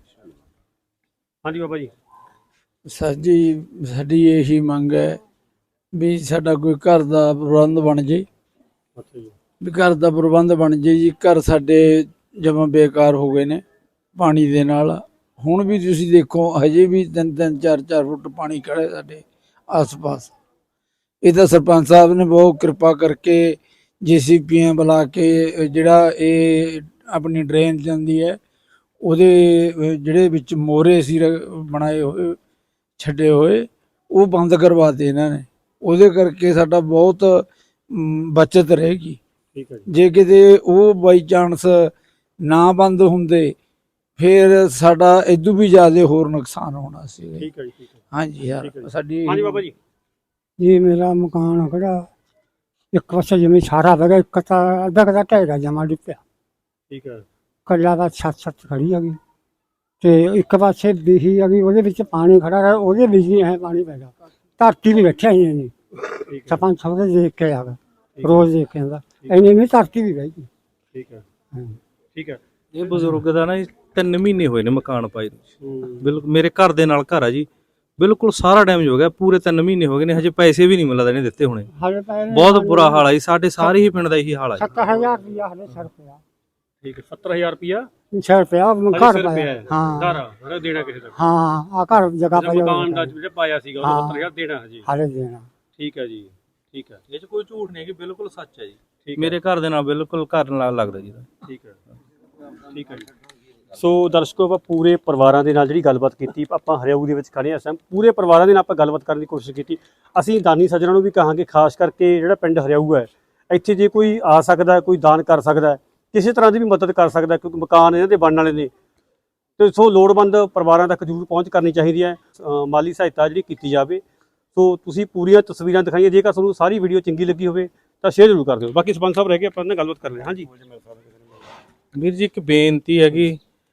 S2: ਹਾਂਜੀ ਬਾਬਾ ਜੀ।
S13: ਸਰ ਜੀ, ਸਾਡੀ ਇਹੀ ਮੰਗ ਹੈ ਵੀ ਸਾਡਾ ਕੋਈ ਘਰ ਦਾ ਪ੍ਰਬੰਧ ਬਣ ਜੇ।
S2: ਅੱਛਾ ਜੀ,
S13: ਵੀ ਘਰ ਦਾ ਪ੍ਰਬੰਧ ਬਣ ਜੇ ਜੀ। ਘਰ ਸਾਡੇ ਜਮਾਂ ਬੇਕਾਰ ਹੋ ਗਏ ਨੇ ਪਾਣੀ ਦੇ ਨਾਲ। ਹੁਣ ਵੀ ਤੁਸੀਂ ਦੇਖੋ ਹਜੇ ਵੀ ਤਿੰਨ ਤਿੰਨ ਚਾਰ ਚਾਰ ਫੁੱਟ ਪਾਣੀ ਖੜਾ ਹੈ ਸਾਡੇ ਆਸ-ਪਾਸ। ਇਹ ਤਾਂ ਸਰਪੰਚ ਸਾਹਿਬ ਨੇ ਬਹੁਤ ਕਿਰਪਾ ਕਰਕੇ ਜੇਸੀਪੀਆਂ ਬੁਲਾ ਕੇ ਜਿਹੜਾ ਇਹ ਆਪਣੀ ਡਰੇਨ ਜਾਂਦੀ ਹੈ ਉਹਦੇ ਜਿਹੜੇ ਵਿੱਚ ਮੋਰੇ ਸੀ ਬਣਾਏ ਹੋਏ ਛੱਡੇ ਹੋਏ ਉਹ ਬੰਦ ਕਰਵਾਤੇ ਇਹਨਾਂ ਨੇ। ਉਹਦੇ ਕਰਕੇ ਸਾਡਾ ਬਹੁਤ ਬਚਤ ਰਹੇਗੀ।
S2: ਠੀਕ ਹੈ ਜੀ।
S13: ਜੇ ਕਿਤੇ ਉਹ ਬਾਈ ਚਾਂਸ ਨਾ ਬੰਦ ਹੁੰਦੇ ਫਿਰ ਸਾਡਾ ਇਦੋਂ ਵੀ ਜ਼ਿਆਦਾ ਹੋਰ ਨੁਕਸਾਨ ਹੋਣਾ ਸੀ।
S2: ਠੀਕ ਹੈ ਜੀ, ਠੀਕ ਹੈ।
S13: ਹਾਂਜੀ ਯਾਰ
S2: ਠੀਕ ਹੈ ਜੀ।
S13: ਸਾਡੀ
S2: ਹਾਂਜੀ ਬਾਬਾ ਜੀ।
S14: ਜੀ ਮੇਰਾ ਮਕਾਨ ਖੜਾ ਇੱਕ ਪਾਸੇ ਜਿਵੇਂ ਸਾਰਾ ਵਗਾ ਇੱਕ ਤਾਂ ਅੱਧਾ ਕਦਾ ਢਹਿਗਾ ਜਮਾ ਡਿੱਪਿਆ।
S2: ਠੀਕ ਹੈ।
S14: ਕੱਲਾ ਦਾ ਛੱਤ ਛੱਤ ਖੜੀ ਹੈਗੀ ਤੇ ਇੱਕ ਪਾਸੇ ਬੀਹੀ ਹੈਗੀ ਉਹਦੇ ਵਿੱਚ ਪਾਣੀ ਖੜਾ ਹੈ, ਉਹਦੇ ਵਿੱਚ ਹੀ ਹੈ ਪਾਣੀ ਪੈ ਗਿਆ। ਧਰਤੀ ਵੀ ਬੈਠਿਆ ਹੀ ਨਹੀਂ ਸਰਪੰਚ ਸਾਹਿਬ ਦੇ ਦੇਖ ਕੇ ਆਗਾ ਰੋਜ਼ ਦੇਖ ਕੇ ਆਉਂਦਾ ਇੰਨੀ ਨਹੀਂ ਧਰਤੀ ਵੀ ਬਹਿ ਗਈ।
S2: ਠੀਕ ਹੈ। ਠੀਕ ਹੈ।
S5: ਇਹ ਬਜ਼ੁਰਗ ਦਾ ਨਾ ਜੀ ਤਿੰਨ ਮਹੀਨੇ ਹੋਏ ਨੇ ਮਕਾਨ ਪਾਏ ਨੂੰ। ਬਿਲਕੁਲ ਮੇਰੇ ਘਰ ਦੇ ਨਾਲ ਘਰ ਆ ਜੀ, ਬਿਲਕੁਲ ਸਾਰਾ ਡੈਮੇਜ ਹੋ ਗਿਆ। ਪੂਰੇ ਤਿੰਨ ਮਹੀਨੇ ਹੋ ਗਏ ਨੇ, ਹਜੇ ਪੈਸੇ ਵੀ ਨਹੀਂ ਮਿਲਦਾ ਇਹਨੇ ਦਿੱਤੇ ਹੋਣੇ। ਬਹੁਤ ਬੁਰਾ ਹਾਲ ਆ ਜੀ, ਸਾਡੇ ਸਾਰੇ ਹੀ ਪਿੰਡ ਦਾ ਇਹੀ ਹਾਲ ਆ ਜੀ।
S14: ਸੱਤ ਹਜ਼ਾਰ ਰੁਪਇਆ ਹਲੇ ਸਰ ਪਿਆ।
S2: ਠੀਕ ਹੈ। ਸੱਤਰ ਹਜ਼ਾਰ ਰੁਪਇਆ
S14: ਸਰ ਪਿਆ ਘਰ ਪਾਇਆ।
S2: ਹਾਂ ਘਰ ਹਰੇ ਦੇਣਾ ਕਿਸੇ ਦਾ।
S14: ਹਾਂ ਆ ਘਰ ਜਗ੍ਹਾ ਪਾਇਆ
S2: ਮਕਾਨ ਦਾ ਜਿਹੜਾ ਪਾਇਆ ਸੀਗਾ ਉਹ ਸੱਤਰ ਹਜ਼ਾਰ ਦੇਣਾ ਹਜੇ
S14: ਹਾਲੇ ਦੇਣਾ।
S2: ਠੀਕ ਹੈ ਜੀ। ਠੀਕ ਹੈ।
S5: ਇਹ 'ਚ ਕੋਈ ਝੂਠ ਨਹੀਂ ਹੈ, ਬਿਲਕੁਲ ਸੱਚ ਹੈ ਜੀ। ਮੇਰੇ ਘਰ ਦੇ ਨਾਲ ਬਿਲਕੁਲ ਘਰ ਨਾਲ ਲੱਗਦਾ ਜੀ।
S2: ਠੀਕ ਹੈ। ਠੀਕ ਹੈ ਜੀ। ਸੋ ਦਰਸ਼ਕੋ ਆਪਾਂ ਪੂਰੇ ਪਰਿਵਾਰਾਂ ਦੇ ਨਾਲ ਜਿਹੜੀ ਗੱਲਬਾਤ ਕੀਤੀ, ਆਪਾਂ ਹਰਿਆਊ ਦੇ ਵਿੱਚ ਖੜੇ ਹਾਂ ਇਸ ਟਾਈਮ, ਪੂਰੇ ਪਰਿਵਾਰਾਂ ਦੇ ਨਾਲ ਆਪਾਂ ਗੱਲਬਾਤ ਕਰਨ ਦੀ ਕੋਸ਼ਿਸ਼ ਕੀਤੀ। ਅਸੀਂ ਦਾਨੀ ਸੱਜਣਾਂ ਨੂੰ ਵੀ ਕਹਾਂਗੇ, ਖਾਸ ਕਰਕੇ ਜਿਹੜਾ ਪਿੰਡ ਹਰਿਆਊ ਹੈ ਇੱਥੇ ਜੇ ਕੋਈ ਆ ਸਕਦਾ, ਕੋਈ ਦਾਨ ਕਰ ਸਕਦਾ, ਕਿਸੇ ਤਰ੍ਹਾਂ ਦੀ ਵੀ ਮਦਦ ਕਰ ਸਕਦਾ, ਕਿਉਂਕਿ ਮਕਾਨ ਇਹਨਾਂ ਦੇ ਬਣਨ ਵਾਲੇ ਨੇ। ਤੇ ਸੋ ਲੋੜਵੰਦ ਪਰਿਵਾਰਾਂ ਤੱਕ ਜ਼ਰੂਰ ਪਹੁੰਚ ਕਰਨੀ ਚਾਹੀਦੀ ਹੈ, ਮਾਲੀ ਸਹਾਇਤਾ ਜਿਹੜੀ ਕੀਤੀ ਜਾਵੇ। ਸੋ ਤੁਸੀਂ ਪੂਰੀਆਂ ਤਸਵੀਰਾਂ ਦਿਖਾਈਆਂ। ਜੇਕਰ ਤੁਹਾਨੂੰ ਸਾਰੀ ਵੀਡੀਓ ਚੰਗੀ ਲੱਗੀ ਹੋਵੇ ਤਾਂ ਸ਼ੇਅਰ ਜ਼ਰੂਰ ਕਰ ਦਿਓ। ਬਾਕੀ ਸਰਪੰਚ ਸਾਹਿਬ ਰਹਿ ਕੇ ਆਪਾਂ ਨਾਲ ਗੱਲਬਾਤ ਕਰ ਰਹੇ ਹਾਂ। ਹਾਂਜੀ
S5: ਵੀਰ ਜੀ ਇੱਕ ਬੇਨਤੀ ਹੈਗੀ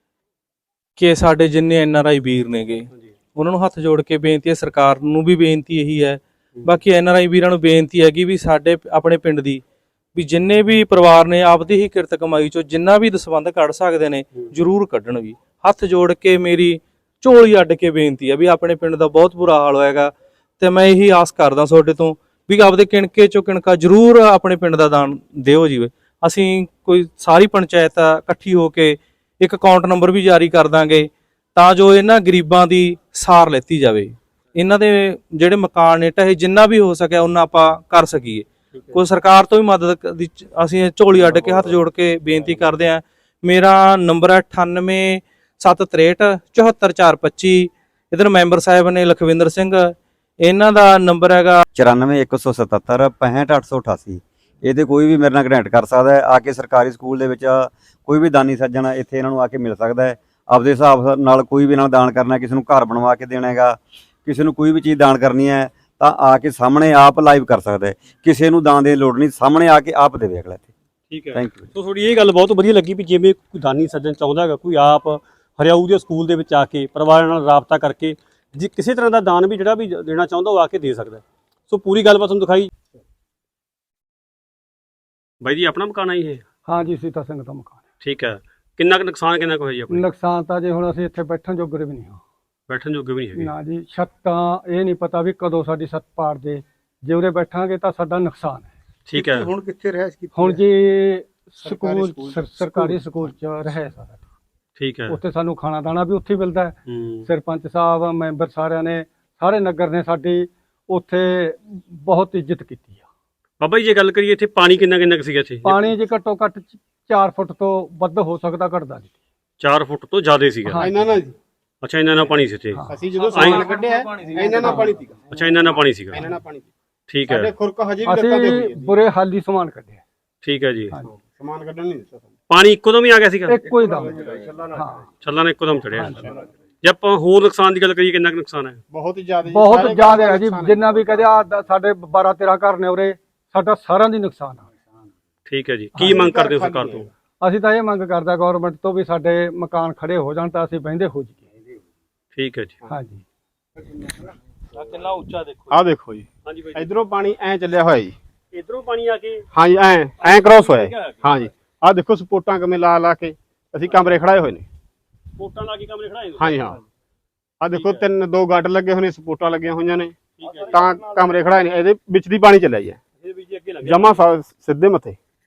S5: ਕਿ ਸਾਡੇ ਜਿੰਨੇ ਐਨ ਆਰ ਆਈ ਵੀਰ ਨੇਗੇ ਉਹਨਾਂ ਨੂੰ ਹੱਥ ਜੋੜ ਕੇ ਬੇਨਤੀ ਹੈ, ਸਰਕਾਰ ਨੂੰ ਵੀ ਬੇਨਤੀ ਇਹੀ ਹੈ, ਬਾਕੀ ਐਨ ਆਰ ਆਈ ਵੀਰਾਂ ਨੂੰ ਬੇਨਤੀ ਹੈਗੀ ਵੀ ਸਾਡੇ ਆਪਣੇ ਪਿੰਡ ਦੀ ਵੀ ਜਿੰਨੇ ਵੀ ਪਰਿਵਾਰ ਨੇ ਆਪਦੀ ਹੀ ਕਿਰਤ ਕਮਾਈ ਚੋਂ ਜਿੰਨਾ ਵੀ ਦਸਵੰਧ ਕੱਢ ਸਕਦੇ ਨੇ ਜ਼ਰੂਰ ਕੱਢਣ। ਵੀ ਹੱਥ ਜੋੜ ਕੇ ਮੇਰੀ ਝੋਲੀ ਅੱਡ ਕੇ ਬੇਨਤੀ ਹੈ ਵੀ ਆਪਣੇ ਪਿੰਡ ਦਾ ਬਹੁਤ ਬੁਰਾ ਹਾਲ ਹੋਏਗਾ ਤੇ ਮੈਂ ਇਹੀ ਆਸ ਕਰਦਾ ਤੁਹਾਡੇ ਤੋਂ ਵੀ ਆਪਦੇ ਕਿਣਕੇ ਚੋਂ ਕਿਣਕਾ ਜ਼ਰੂਰ ਆਪਣੇ ਪਿੰਡ ਦਾ ਦਾਨ ਦਿਓ ਜੀ। ਅਸੀਂ ਕੋਈ ਸਾਰੀ ਪੰਚਾਇਤ ਇਕੱਠੀ ਹੋ ਕੇ ਇੱਕ ਅਕਾਊਂਟ ਨੰਬਰ ਵੀ ਜਾਰੀ ਕਰ ਦਾਂਗੇ ਤਾਂ ਜੋ ਇਹਨਾਂ ਗਰੀਬਾਂ ਦੀ ਸਾਰ ਲੈਤੀ ਜਾਵੇ। ਇਹਨਾਂ ਦੇ ਜਿਹੜੇ ਮਕਾਨ ਨੇ ਢਹੇ ਜਿੰਨਾ ਵੀ ਹੋ ਸਕਿਆ ਉਹਨਾਂ ਆਪਾਂ ਕਰ ਸਕੀਏ। ਕੋਈ ਸਰਕਾਰ ਤੋਂ ਵੀ ਮਦਦ ਦੀ ਅਸੀਂ ਝੋਲੀ ਅੱਡ ਕੇ ਹੱਥ ਜੋੜ ਕੇ ਬੇਨਤੀ ਕਰਦੇ ਹਾਂ। ਮੇਰਾ ਨੰਬਰ ਹੈ ਅਠਾਨਵੇਂ ਸੱਤ ਤ੍ਰੇਹਠ ਚੁਹੱਤਰ ਚਾਰ ਪੱਚੀ। ਇੱਧਰ ਮੈਂਬਰ ਸਾਹਿਬ ਨੇ ਲਖਵਿੰਦਰ ਸਿੰਘ, ਇਹਨਾਂ ਦਾ ਨੰਬਰ ਹੈਗਾ
S15: ਚੁਰਾਨਵੇਂ ਇੱਕ ਸੌ ਸਤੱਤਰ ਪੈਂਹਠ ਅੱਠ ਸੌ ਅਠਾਸੀ। ਇਹਦੇ ਕੋਈ ਵੀ ਮੇਰੇ ਨਾਲ ਕਨੈਕਟ ਕਰ ਸਕਦਾ ਹੈ। ਆ ਕੇ ਸਰਕਾਰੀ ਸਕੂਲ ਦੇ ਵਿੱਚ ਕੋਈ ਵੀ ਦਾਨੀ ਸੱਜਣ ਇੱਥੇ ਇਹਨਾਂ ਨੂੰ ਆ ਕੇ ਮਿਲ ਸਕਦਾ ਹੈ। ਆਪਦੇ ਹਿਸਾਬ ਨਾਲ ਕੋਈ ਵੀ ਇਹਨਾਂ ਨੂੰ ਦਾਨ ਕਰਨਾ, ਕਿਸੇ ਨੂੰ ਘਰ ਬਣਵਾ ਕੇ ਦੇਣਾ ਹੈਗਾ, ਕਿਸੇ ਨੂੰ ਕੋਈ ਵੀ ਚੀਜ਼ ਦਾਨ ਕਰਨੀ ਹੈ ਤਾਂ ਆ ਕੇ ਸਾਹਮਣੇ ਆਪ ਲਾਈਵ ਕਰ ਸਕਦਾ ਹੈ। ਕਿਸੇ ਨੂੰ ਦਾਨ ਦੀ ਲੋੜ ਨਹੀਂ, ਸਾਹਮਣੇ ਆ ਕੇ ਆਪ ਦੇਵੇ ਅਗਲਾ ਇੱਥੇ।
S2: ਠੀਕ ਹੈ।
S15: Thank you.
S2: ਸੋ ਤੁਹਾਡੀ ਇਹ ਗੱਲ ਬਹੁਤ ਵਧੀਆ ਲੱਗੀ ਵੀ ਜਿਵੇਂ ਕੋਈ ਦਾਨੀ ਸੱਜਣ ਚਾਹੁੰਦਾ ਹੈਗਾ, ਕੋਈ ਆਪ ਹਰਿਆਊ ਦੇ ਸਕੂਲ ਦੇ ਵਿੱਚ ਆ ਕੇ ਪਰਿਵਾਰਾਂ ਨਾਲ ਰਾਬਤਾ ਕਰਕੇ ਜੇ ਕਿਸੇ ਤਰ੍ਹਾਂ ਦਾ ਦਾਨ ਵੀ ਜਿਹੜਾ ਵੀ ਦੇਣਾ ਚਾਹੁੰਦਾ ਉਹ ਆ ਕੇ ਦੇ ਸਕਦਾ। ਸੋ ਪੂਰੀ ਗੱਲਬਾਤ ਤੁਹਾਨੂੰ ਦਿਖਾਈ। ਬਾਈ ਜੀ ਆਪਣਾ ਮਕਾਨ ਆਈ ਇਹ?
S14: ਹਾਂ ਜੀ ਸੀਤਾ ਸਿੰਘ ਦਾ ਮਕਾਨ।
S2: ਠੀਕ ਹੈ। ਕਿੰਨਾ ਕੁ ਨੁਕਸਾਨ ਕਿੰਨਾ ਕੁ ਹੋਇਆ ਜੀ ਆਪਣਾ?
S14: ਨੁਕਸਾਨ ਤਾਂ ਜੇ ਹੁਣ ਅਸੀਂ ਇੱਥੇ ਬੈਠਣ ਜੋਗਰੇ ਵੀ ਨਹੀਂ ਹਾਂ।
S2: ਬੈਠਣ ਜੋਗੇ ਵੀ ਨਹੀਂ ਹੈਗੇ
S14: ਨਾ ਜੀ। ਛੱਤਾਂ ਇਹ ਨਹੀਂ ਪਤਾ ਵੀ ਕਦੋਂ ਸਾਡੀ ਛੱਤ ਪਾੜ ਦੇ, ਜੇ ਉਰੇ ਬੈਠਾਂਗੇ ਤਾਂ ਸਾਡਾ ਨੁਕਸਾਨ ਹੈ।
S2: ਠੀਕ ਹੈ।
S14: ਹੁਣ ਕਿੱਥੇ ਰਹਿਸ਼ ਕੀਤੀ? ਹੁਣ ਜੀ ਸਕੂਲ ਸਰਕਾਰੀ ਸਕੂਲ ਚ ਰਹੇ ਸਾਰਾ।
S2: ਠੀਕ ਹੈ।
S14: ਉੱਥੇ ਸਾਨੂੰ ਖਾਣਾ ਦਾਣਾ ਵੀ ਉੱਥੇ ਮਿਲਦਾ ਹੈ। ਸਰਪੰਚ ਸਾਹਿਬ ਮੈਂਬਰ ਸਾਰਿਆਂ ਨੇ ਸਾਰੇ ਨਗਰ ਨੇ ਸਾਡੀ ਉੱਥੇ ਬਹੁਤ ਇੱਜ਼ਤ ਕੀਤੀ ਆ।
S2: ਬਾਬਾ ਜੀ ਜੇ ਗੱਲ ਕਰੀਏ ਇੱਥੇ ਪਾਣੀ ਕਿੰਨਾ ਕਿੰਨਾ ਕੁ ਸੀਗਾ ਇੱਥੇ?
S14: ਪਾਣੀ ਜੇ ਘੱਟੋ ਘੱਟ ਚਾਰ ਫੁੱਟ ਤੋਂ ਵੱਧ ਹੋ ਸਕਦਾ, ਘਟਦਾ ਨਹੀਂ।
S2: ਚਾਰ ਫੁੱਟ ਤੋਂ ਜ਼ਿਆਦਾ ਸੀਗਾ
S14: ਇਹਨਾਂ ਨਾਲ ਜੀ।
S2: ਅੱਛਾ ਇਹਨਾਂ ਨਾਲ ਪਾਣੀ ਸੀ ਇੱਥੇ?
S14: ਅਸੀਂ ਜਦੋਂ ਸਮਾਨ ਕੱਢਿਆ ਇਹਨਾਂ ਨਾਲ ਪਾਣੀ ਸੀਗਾ।
S2: ਅੱਛਾ ਇਹਨਾਂ ਨਾਲ ਪਾਣੀ ਸੀਗਾ।
S14: ਇਹਨਾਂ ਨਾਲ ਪਾਣੀ।
S2: ਠੀਕ ਹੈ।
S14: ਖੁਰਕ ਹਜੇ ਵੀ ਲੱਤਾਂ ਤੇ ਹੋਈ ਹੈ। ਬੁਰੇ ਹਾਲੀ ਸਮਾਨ ਕੱਢਿਆ।
S2: ਠੀਕ ਹੈ ਜੀ।
S14: ਸਮਾਨ ਕੱਢਣ ਨਹੀਂ ਦਿੱਤਾ।
S2: ਪਾਣੀ ਇੱਕੋ ਦਮ ਹੀ ਆ ਗਿਆ ਸੀਗਾ?
S14: ਇੱਕੋ ਹੀ ਦਮ। ਹਾਂ
S2: ਛੱਲਾਂ ਨੇ ਇੱਕੋ ਦਮ ਚੜਿਆ। ਜੇ ਆਪਾਂ ਹੋਰ ਨੁਕਸਾਨ ਦੀ ਗੱਲ ਕਰੀਏ ਕਿੰਨਾ ਕੁ ਨੁਕਸਾਨ ਹੈ?
S14: ਬਹੁਤ ਜ਼ਿਆਦਾ ਬਹੁਤ ਜ਼ਿਆਦਾ ਹੈ ਜੀ। ਜਿੰਨਾ ਵੀ ਕਹਦੇ ਸਾਡੇ ਬਾਰਾਂ ਤੇਰਾਂ ਘਰ ਨੇ ਉਰੇ, ਸਾਡਾ ਸਾਰਿਆਂ ਦੀ ਨੁਕਸਾਨ ਆ।
S2: ਠੀਕ ਹੈ ਜੀ। ਕੀ ਮੰਗ ਕਰਦੇ ਹੋ ਸਰਕਾਰ ਤੋਂ?
S14: ਅਸੀਂ ਤਾਂ ਇਹ ਮੰਗ ਕਰਦਾ ਗਵਰਨਮੈਂਟ ਤੋਂ ਵੀ ਸਾਡੇ ਮਕਾਨ ਖੜੇ ਹੋ ਜਾਣ ਤਾਂ ਅਸੀਂ ਬਹਿੰਦੇ ਹੋ ਜਾਈਏ।
S2: ਠੀਕ ਹੈ ਜੀ।
S14: ਹਾਂਜੀ।
S5: ਕਿੰਨਾ ਉੱਚਾ ਦੇਖੋ।
S16: ਆਹ ਦੇਖੋ ਜੀ।
S2: ਹਾਂਜੀ ਬਾਈ।
S16: ਇਧਰੋਂ ਪਾਣੀ ਐ ਚੱਲਿਆ ਹੋਇਆ ਜੀ।
S2: ਇਧਰੋਂ ਪਾਣੀ ਆ ਕੇ?
S16: ਹਾਂਜੀ ਐ ਐ ਕ੍ਰੋਸ ਹੋਇਆ। ਹਾਂਜੀ ਆਹ ਦੇਖੋ ਸਪੋਰਟਾਂ ਕਿਵੇਂ ਲਾ ਲਾ ਕੇ ਅਸੀਂ ਕਮਰੇ ਖੜਾਏ ਹੋਏ ਨੇ।
S2: ਸਪੋਰਟਾਂ ਲਾ ਕੇ ਕਮਰੇ ਖੜਾਏ?
S16: ਹਾਂਜੀ ਹਾਂ। ਆਹ ਦੇਖੋ ਤਿੰਨ ਦੋ ਗੱਡ ਲੱਗੇ ਹੋਏ ਨੇ, ਸਪੋਰਟਾਂ ਲੱਗੀਆਂ ਹੋਈਆਂ ਨੇ ਤਾਂ ਕਮਰੇ ਖੜਾਏ ਨੇ। ਇਹਦੇ ਵਿੱਚ ਦੀ ਪਾਣੀ ਚੱਲਿਆ ਜੀ ਜਮਾ ਸਿੱਧੇ ਮੱਥੇ।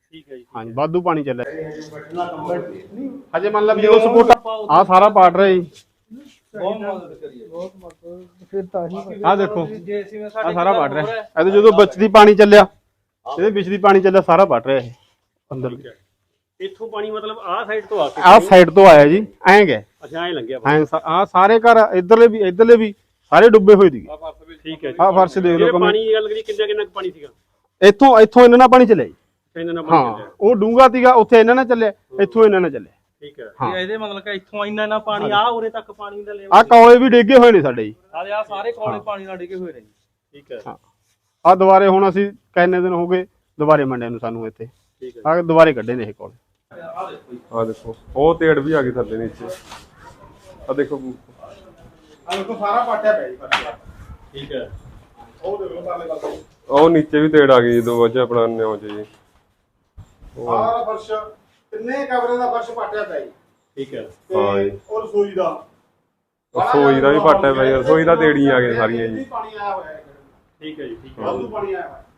S2: ਠੀਕ ਹੈ ਜੀ
S16: ਹਾਂਜੀ ਵਾਧੂ ਪਾਣੀ ਚੱਲਿਆ ਹਜੇ ਮੰਨ ਲਾ ਵੀ ਜਦੋਂ ਸਪੋਰਟ ਆ ਸਾਰਾ ਪਾਟ ਰਿਹਾ ਜੀ
S5: ਬਹੁਤ ਮਦਦ ਕਰੀ ਹੈ ਬਹੁਤ ਮਦਦ ਫਿਰ ਤਾਂ ਹੀ
S16: ਆ ਦੇਖੋ
S5: ਜੇ ਅਸੀਂ
S16: ਆ ਸਾਰਾ ਪਾਟ ਰਿਹਾ ਇਹਦੇ ਜਦੋਂ ਵਿੱਚ ਦੀ ਪਾਣੀ ਚੱਲਿਆ ਇਹਦੇ ਵਿੱਚ ਦੀ ਪਾਣੀ ਚੱਲਿਆ ਸਾਰਾ ਪਾਟ ਰਿਹਾ ਇਹ ਅੰਦਰ
S2: ਇੱਥੋਂ ਪਾਣੀ ਮਤਲਬ ਆਹ ਸਾਈਡ ਤੋਂ ਆ ਕੇ
S16: ਆਹ ਸਾਈਡ ਤੋਂ ਆਇਆ ਜੀ ਐਂ ਗਏ
S2: ਅੱਛਾ ਐਂ ਲੰਘਿਆ
S16: ਐਂ ਆ ਸਾਰੇ ਘਰ ਇਧਰਲੇ ਵੀ ਇਧਰਲੇ ਵੀ ਸਾਰੇ ਡੁੱਬੇ ਹੋਏ ਸੀਗੇ
S2: ਠੀਕ ਹੈ ਜੀ
S16: ਆਹ ਫਰਸ਼ ਦੇਖ ਲਓ
S2: ਪਾਣੀ ਦੀ ਗੱਲ ਕਰੀ ਕਿੰਨਾ ਕਿੰਨਾ ਪਾਣੀ ਸੀਗਾ
S16: ਇੱਥੋਂ ਇੱਥੋਂ ਇਹਨਾਂ ਨਾਲ ਪਾਣੀ ਚੱਲਿਆ ਜੀ
S2: ਇਹਨਾਂ ਨਾਲ ਪਾਣੀ
S16: ਹਾਂ ਉਹ ਡੂੰਗਾ ਸੀਗਾ ਉੱਥੇ ਇਹਨਾਂ ਨਾਲ ਚੱਲਿਆ ਇੱਥੋਂ ਇਹਨਾਂ ਨਾਲ ਚੱਲਿਆ
S2: ਠੀਕ ਹੈ
S16: ਹਾਂ
S5: ਇਹਦੇ ਮਤਲਬ ਕਿ ਇੱਥੋਂ ਇੰਨਾ ਇੰਨਾ ਪਾਣੀ ਆ ਉਰੇ ਤੱਕ ਪਾਣੀ ਦਾ ਲੈਵਲ
S16: ਆ ਕੌਲੇ ਵੀ ਡੇਗੇ ਹੋਏ ਨੇ ਸਾਡੇ ਜੀ
S5: ਸਾਰੇ ਆ ਸਾਰੇ ਕੋਲੇ ਪਾਣੀ ਨਾਲ ਡਿੱਗੇ ਹੋਏ ਨੇ ਜੀ
S2: ਠੀਕ ਹੈ
S16: ਹਾਂ ਆ ਦੁਬਾਰੇ ਹੁਣ ਅਸੀਂ ਕਿੰਨੇ ਦਿਨ ਹੋ ਗਏ ਦੁਬਾਰੇ ਮੰਡਿਆਂ ਨੂੰ ਸਾਨੂੰ ਇੱਥੇ
S2: ਠੀਕ ਹੈ
S16: ਆ ਦੁਬਾਰੇ ਕੱਢੇ ਨੇ ਇਹ ਕੋਲ
S17: ਆ ਦੇਖੋ ਉਹ ਤੇੜ ਵੀ ਆ ਗਈ ਥੱਲੇ ਨੀਚੇ ਆ ਦੇਖੋ
S16: ਆ ਦੇਖੋ ਸਾਰਾ ਪਾਟਿਆ ਪਿਆ ਜੀ
S2: ਠੀਕ ਹੈ
S16: ਉਹ ਦੇਖੋ ਪਾਲੇ ਪਾਸੇ
S17: ਉਹ ਨੀਚੇ ਵੀ ਤੇੜ ਆ ਗਈ ਜਦੋਂ ਵਜੇ ਆਪਣਾ ਨਿਉ ਚ ਜੀ
S16: ਸਾਰਾ ਫਰਸ਼ ਕਿੰਨੇ ਕਮਰੇ ਦਾ ਫਰਸ਼ ਪਾਟਿਆ ਪਿਆ ਜੀ
S2: ਠੀਕ ਹੈ
S17: ਹਾਂ ਜੀ
S16: ਉਹ ਰਸੋਈ ਦਾ
S17: ਰਸੋਈ ਦਾ ਵੀ ਪਾਟਿਆ ਪਿਆ ਜੀ ਰਸੋਈ ਦਾ ਤੇੜੀਆਂ ਆ ਗਈਆਂ ਸਾਰੀਆਂ ਜੀ
S16: ਪਾਣੀ ਆਇਆ ਹੋਇਆ ਹੈ
S2: ਠੀਕ ਹੈ ਜੀ ਠੀਕ ਹੈ
S16: ਵਾਧੂ ਪਾਣੀ ਆਇਆ ਹੋਇਆ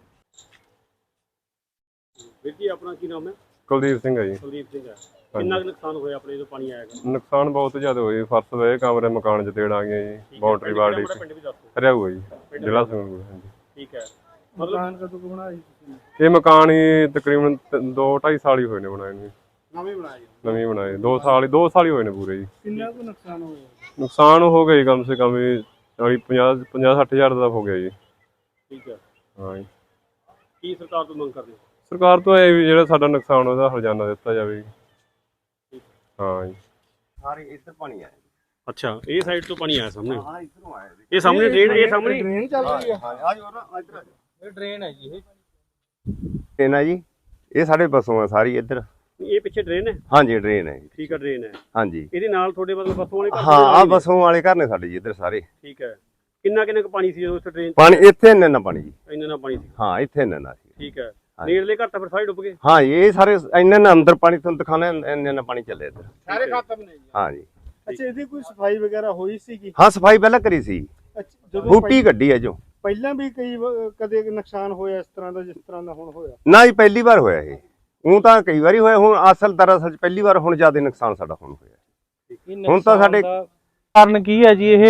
S2: ਵੀਰ ਜੀ ਆਪਣਾ ਕੀ ਨਾਮ ਹੈ
S17: ਕੁਲਦੀਪ ਸਿੰਘ ਹੈ ਜੀ
S2: ਕੁਲਦੀਪ ਸਿੰਘ ਹੈ ਕਿੰਨਾ ਕੁ ਨੁਕਸਾਨ ਹੋਇਆ ਆਪਣੇ ਜਦੋਂ ਪਾਣੀ ਆਇਆ
S17: ਨੁਕਸਾਨ ਬਹੁਤ ਜ਼ਿਆਦਾ ਹੋਇਆ ਫਰਸ਼ ਵੇ ਕਮਰੇ ਮਕਾਨ ਚ ਤੇੜ ਆ ਗਈਆਂ ਜੀ ਬਾਉਂਡਰੀ ਵਾਲ ਦੀ
S2: ਪਿੰਡ ਵੀ ਦੱਸੋ
S17: ਹਰਿਆਊ ਹੈ ਜੀ ਜ਼ਿਲ੍ਹਾ ਸੰਗਰੂਰ ਹਾਂਜੀ
S2: ਠੀਕ ਹੈ ਮਤਲਬ ਕਦੋਂ ਬਣਾਇਆ
S17: ਇਹ ਮਕਾਨ ਹੀ ਤਕਰੀਬਨ ਦੋ ਢਾਈ ਸਾਲ ਹੀ ਹੋਏ ਨੇ ਬਣਾਏ ਨੂੰ
S16: ਨਵੇਂ ਬਣਾਏ
S17: ਨਵੇਂ ਬਣਾਏ ਦੋ ਸਾਲ ਦੋ ਸਾਲ ਹੀ ਹੋਏ ਨੇ ਪੂਰੇ ਜੀ
S16: ਕਿੰਨਾ ਕੁ ਨੁਕਸਾਨ ਹੋਇਆ
S17: ਨੁਕਸਾਨ ਹੋ ਗਿਆ ਜੀ ਕਮ ਸੇ ਕਮ ਚਾਲੀ ਪੰਜਾਹ ਪੰਜਾਹ ਸੱਠ ਹਜ਼ਾਰ ਦਾ ਹੋ ਗਿਆ ਜੀ
S2: ਠੀਕ ਹੈ
S17: ਹਾਂ ਜੀ
S2: ਕੀ ਸਰਕਾਰ ਤੋਂ ਮੰਗ ਕਰਦੇ
S17: ਸਰਕਾਰ ਤੋਂ ਇਹ ਵੀ ਜਿਹੜਾ ਸਾਡਾ ਨੁਕਸਾਨ ਉਹਦਾ ਹਰਜਾਨਾ ਦਿੱਤਾ ਜਾਵੇ ਹਾਂ ਜੀ
S11: ਸਾਰੇ ਇੱਧਰ ਪਾਣੀ ਆਇਆ
S2: ਅੱਛਾ ਇਹ ਸਾਈਡ ਤੋਂ ਪਾਣੀ ਆਇਆ ਸਾਹਮਣੇ
S11: ਹਾਂ ਇੱਧਰੋਂ ਆਇਆ
S2: ਇਹ ਸਾਹਮਣੇ ਡਰੇਨ ਇਹ ਸਾਹਮਣੇ
S16: ਡਰੇਨ ਚੱਲ ਰਹੀ ਹੈ
S11: ਹਾਂ ਆ ਜੋ ਨਾ ਇੱਧਰ
S5: ਇਹ ਡਰੇਨ ਹੈ ਜੀ ਇਹ
S11: ਇਹ ਨਾ ਜੀ ਇਹ ਸਾਡੇ ਬਸੋਂ ਆ ਸਾਰੀ ਇੱਧਰ
S2: ਇਹ ਪਿੱਛੇ ਡਰੇਨ ਹੈ
S11: ਹਾਂਜੀ ਡਰੇਨ ਹੈ ਜੀ
S2: ਠੀਕ ਹੈ ਡਰੇਨ ਹੈ
S11: ਹਾਂਜੀ
S2: ਇਹਦੇ ਨਾਲ ਤੁਹਾਡੇ ਮਤਲਬ ਬੱਸੋਂ ਵਾਲੇ ਘਰ
S11: ਹਾਂ ਆ ਬਸੋਂ ਵਾਲੇ ਘਰ ਨੇ ਸਾਡੇ ਜੀ ਇੱਧਰ ਸਾਰੇ
S2: ਠੀਕ ਹੈ ਕਿੰਨਾ ਕਿੰਨਾ ਕੁ ਪਾਣੀ ਸੀ ਜਦੋਂ ਉੱਥੇ ਡਰੇਨ
S11: ਪਾਣੀ ਇੱਥੇ ਇੰਨਾ ਨਾ ਪਾਣੀ ਜੀ
S2: ਇੰਨਾ ਨਾ ਪਾਣੀ ਸੀ
S11: ਹਾਂ ਇੱਥੇ ਇੰਨਾ ਨਾ ਸੀ
S2: ਠੀਕ ਹੈ ਨੇੜਲੇ ਘਰ ਤਾਂ ਫਿਰ ਸਾਰੇ ਡੁੱਬ ਗਏ
S11: ਹਾਂ ਇਹ ਸਾਰੇ ਇੰਨਾ ਨਾ ਅੰਦਰ ਪਾਣੀ ਤੁਹਾਨੂੰ ਦਿਖਾਣਾ ਇੰਨਾ ਨਾ ਪਾਣੀ ਚੱਲੇ ਇੱਧਰ
S16: ਸਾਰੇ ਖਤਮ ਨੇ ਜੀ
S11: ਹਾਂ ਜੀ
S16: ਅੱਛਾ ਇਹਦੀ ਕੋਈ ਸਫਾਈ ਵਗੈਰਾ ਹੋਈ ਸੀਗੀ
S11: ਹਾਂ ਸਫਾਈ ਪਹਿਲਾਂ ਕਰੀ ਸੀ
S16: ਜਦੋਂ
S11: ਬੂਟੀ ਗੱਡੀ ਹੈ ਜੋ
S16: ਪਹਿਲਾਂ ਵੀ ਕਈ ਵ- ਕਦੇ ਨੁਕਸਾਨ ਹੋਇਆ ਇਸ ਤਰ੍ਹਾਂ ਦਾ ਜਿਸ ਤਰ੍ਹਾਂ ਦਾ ਹੁਣ ਹੋਇਆ
S11: ਨਾ ਜੀ ਪਹਿਲੀ ਵਾਰ ਹੋਇਆ ਇਹ ਉਹ ਤਾਂ ਕਈ ਵਾਰੀ ਹੋਇਆ ਹੁਣ ਅਸਲ ਦਰਅਸਲ ਪਹਿਲੀ ਵਾਰ ਹੁਣ ਜ਼ਿਆਦਾ ਨੁਕਸਾਨ ਸਾਡਾ ਹੁਣ ਹੋਇਆ ਹੁਣ ਤਾਂ ਸਾਡੇ
S5: ਕਾਰਨ ਕੀ ਹੈ ਜੀ ਇਹ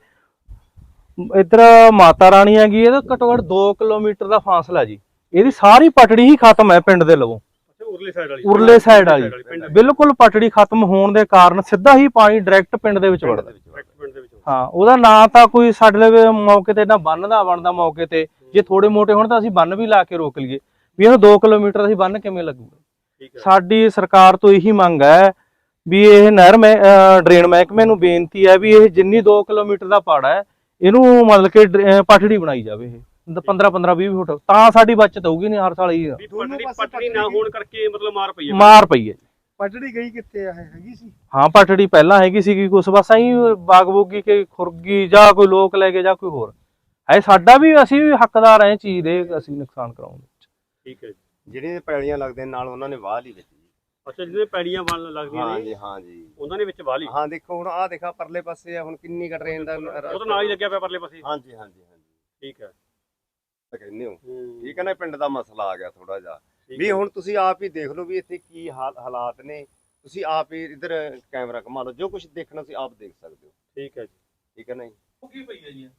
S5: ਇੱਧਰ ਮਾਤਾ ਰਾਣੀ ਹੈਗੀ ਇਹਦਾ ਘੱਟੋ ਘੱਟ ਦੋ ਕਿਲੋਮੀਟਰ ਦਾ ਫਾਸਲਾ ਜੀ ਇਹਦੀ ਸਾਰੀ ਪਟੜੀ ਹੀ ਖਤਮ ਹੈ ਪਿੰਡ ਦੇ ਲਵੋਂ
S2: ਉਰਲੇ ਸਾਈਡ ਵਾਲੀ
S5: ਉਰਲੇ ਸਾਈਡ ਵਾਲੀ ਬਿਲਕੁਲ ਪਟੜੀ ਖਤਮ ਹੋਣ ਦੇ ਕਾਰਨ ਸਿੱਧਾ ਹੀ ਪਾਣੀ ਡਾਇਰੈਕਟ ਪਿੰਡ ਦੇ ਵਿੱਚ ਵੜਦਾ
S2: ਪਿੰਡ ਦੇ ਵਿੱਚ
S5: ਹਾਂ ਉਹਦਾ ਨਾ ਤਾਂ ਕੋਈ ਸਾਡੇ ਲਈ ਮੌਕੇ ਤੇ ਨਾ ਬੰਨ ਦਾ ਬਣਦਾ ਮੌਕੇ ਤੇ ਜੇ ਥੋੜੇ ਮੋਟੇ ਹੋਣ ਤਾਂ ਅਸੀਂ ਬੰਨ ਵੀ ਲਾ ਕੇ ਰੋਕ ਲਈਏ ਵੀ ਇਹਨੂੰ ਦੋ ਕਿਲੋਮੀਟਰ ਅਸੀਂ ਬੰਨ ਕਿਵੇਂ ਲੱਗੂਗਾ ਸਾਡੀ ਸਰਕਾਰ ਤੋਂ ਇਹੀ ਮੰਗ ਹੈ ਵੀ ਇਹ ਨਹਿਰ ਮੈਂ ਡਰੇਨ ਮਹਿਕਮੇ ਨੂੰ ਬੇਨਤੀ ਹੈ ਵੀ ਇਹ ਜਿੰਨੀ ਦੋ ਕਿਲੋਮੀਟਰ ਦਾ ਪਾੜਾ ਹੈ ਇਹਨੂੰ ਮਤਲਬ ਕਿ ਪਟੜੀ ਬਣਾਈ ਜਾਵੇ ਇਹ ਪੰਦਰਾਂ ਪੰਦਰਾਂ ਵੀਹ ਫੁੱਟ ਤਾਂ ਸਾਡੀ ਬਚਤ ਹੋਊਗੀ ਨਹੀਂ ਹਰ ਸਾਲ ਹੀ
S2: ਪਟੜੀ ਪਟੜੀ ਨਾ ਹੋਣ ਕਰਕੇ ਮਤਲਬ ਮਾਰ ਪਈ ਹੈ
S5: ਮਾਰ ਪਈ ਹੈ
S16: ਪਟੜੀ ਗਈ ਕਿੱਥੇ ਆ ਹੈਗੀ ਸੀ
S5: ਹਾਂ ਪਟੜੀ ਪਹਿਲਾਂ ਹੈਗੀ ਸੀਗੀ ਕੁਛ ਬਸ ਐਂ ਬਾਗ ਬੋਗੀ ਕੇ ਖੁਰਗੀ ਜਾਂ ਕੋਈ ਲੋਕ ਲੈ ਕੇ ਜਾਂ ਕੋਈ ਹੋਰ ਹੈ ਸਾਡਾ ਵੀ ਅਸੀਂ ਵੀ ਹੱਕਦਾਰ ਐ ਚੀਜ਼ ਦੇ ਅਸੀਂ ਨੁਕਸਾਨ ਕਰਾਉਣ ਵਿੱਚ
S2: ਠੀਕ ਹੈ
S11: ਜਿਹੜੀਆਂ ਪੈਲੀਆਂ ਲੱਗਦੇ ਨਾਲ ਉਹਨਾਂ ਨੇ ਵਾਹ ਲਈ ਵਿੱਚ
S2: ਅੱਛਾ ਜਿਹਦੇ ਪੈੜੀਆਂ ਬਣ ਲੱਗਦੀਆਂ ਨੇ
S11: ਹਾਂ ਜੀ ਹਾਂ ਜੀ
S2: ਉਹਨਾਂ ਦੇ ਵਿੱਚ ਵਾਹ ਲਈ
S11: ਹਾਂ ਦੇਖੋ ਹੁਣ ਆਹ ਦੇਖਾ ਪਰਲੇ ਪਾਸੇ ਆ ਹੁਣ ਕਿੰਨੀ ਕ ਟ੍ਰੇਨ ਦਾ
S2: ਉਹ ਤਾਂ ਨਾਲ ਹੀ ਲੱਗਿਆ ਪਿਆ ਪਰਲੇ ਪਾਸੇ
S11: ਹਾਂਜੀ ਹਾਂਜੀ ਹਾਂਜੀ
S2: ਠੀਕ ਹੈ
S11: ਕਹਿੰਦੇ ਹੋ ਠੀਕ ਹੈ ਨਾ ਪਿੰਡ ਦਾ ਮਸਲਾ ਆ ਗਿਆ ਥੋੜਾ ਜਿਹਾ ਵੀ ਹੁਣ ਤੁਸੀਂ ਆਪ ਹੀ ਦੇਖ ਲਓ ਵੀ ਇੱਥੇ ਕੀ ਹਾਲਾਤ ਨੇ ਤੁਸੀਂ ਆਪ ਹੀ ਇੱਧਰ ਕੈਮਰਾ ਘੁਮਾ ਲਓ ਜੋ ਕੁਝ ਦੇਖਣਾ ਤੁਸੀਂ ਆਪ ਦੇਖ ਸਕਦੇ ਹੋ
S2: ਠੀਕ ਹੈ ਜੀ
S11: ਠੀਕ ਹੈ ਨਾ ਜੀ
S5: ਉਹ ਕੀ ਪਈ ਹੈ ਜੀ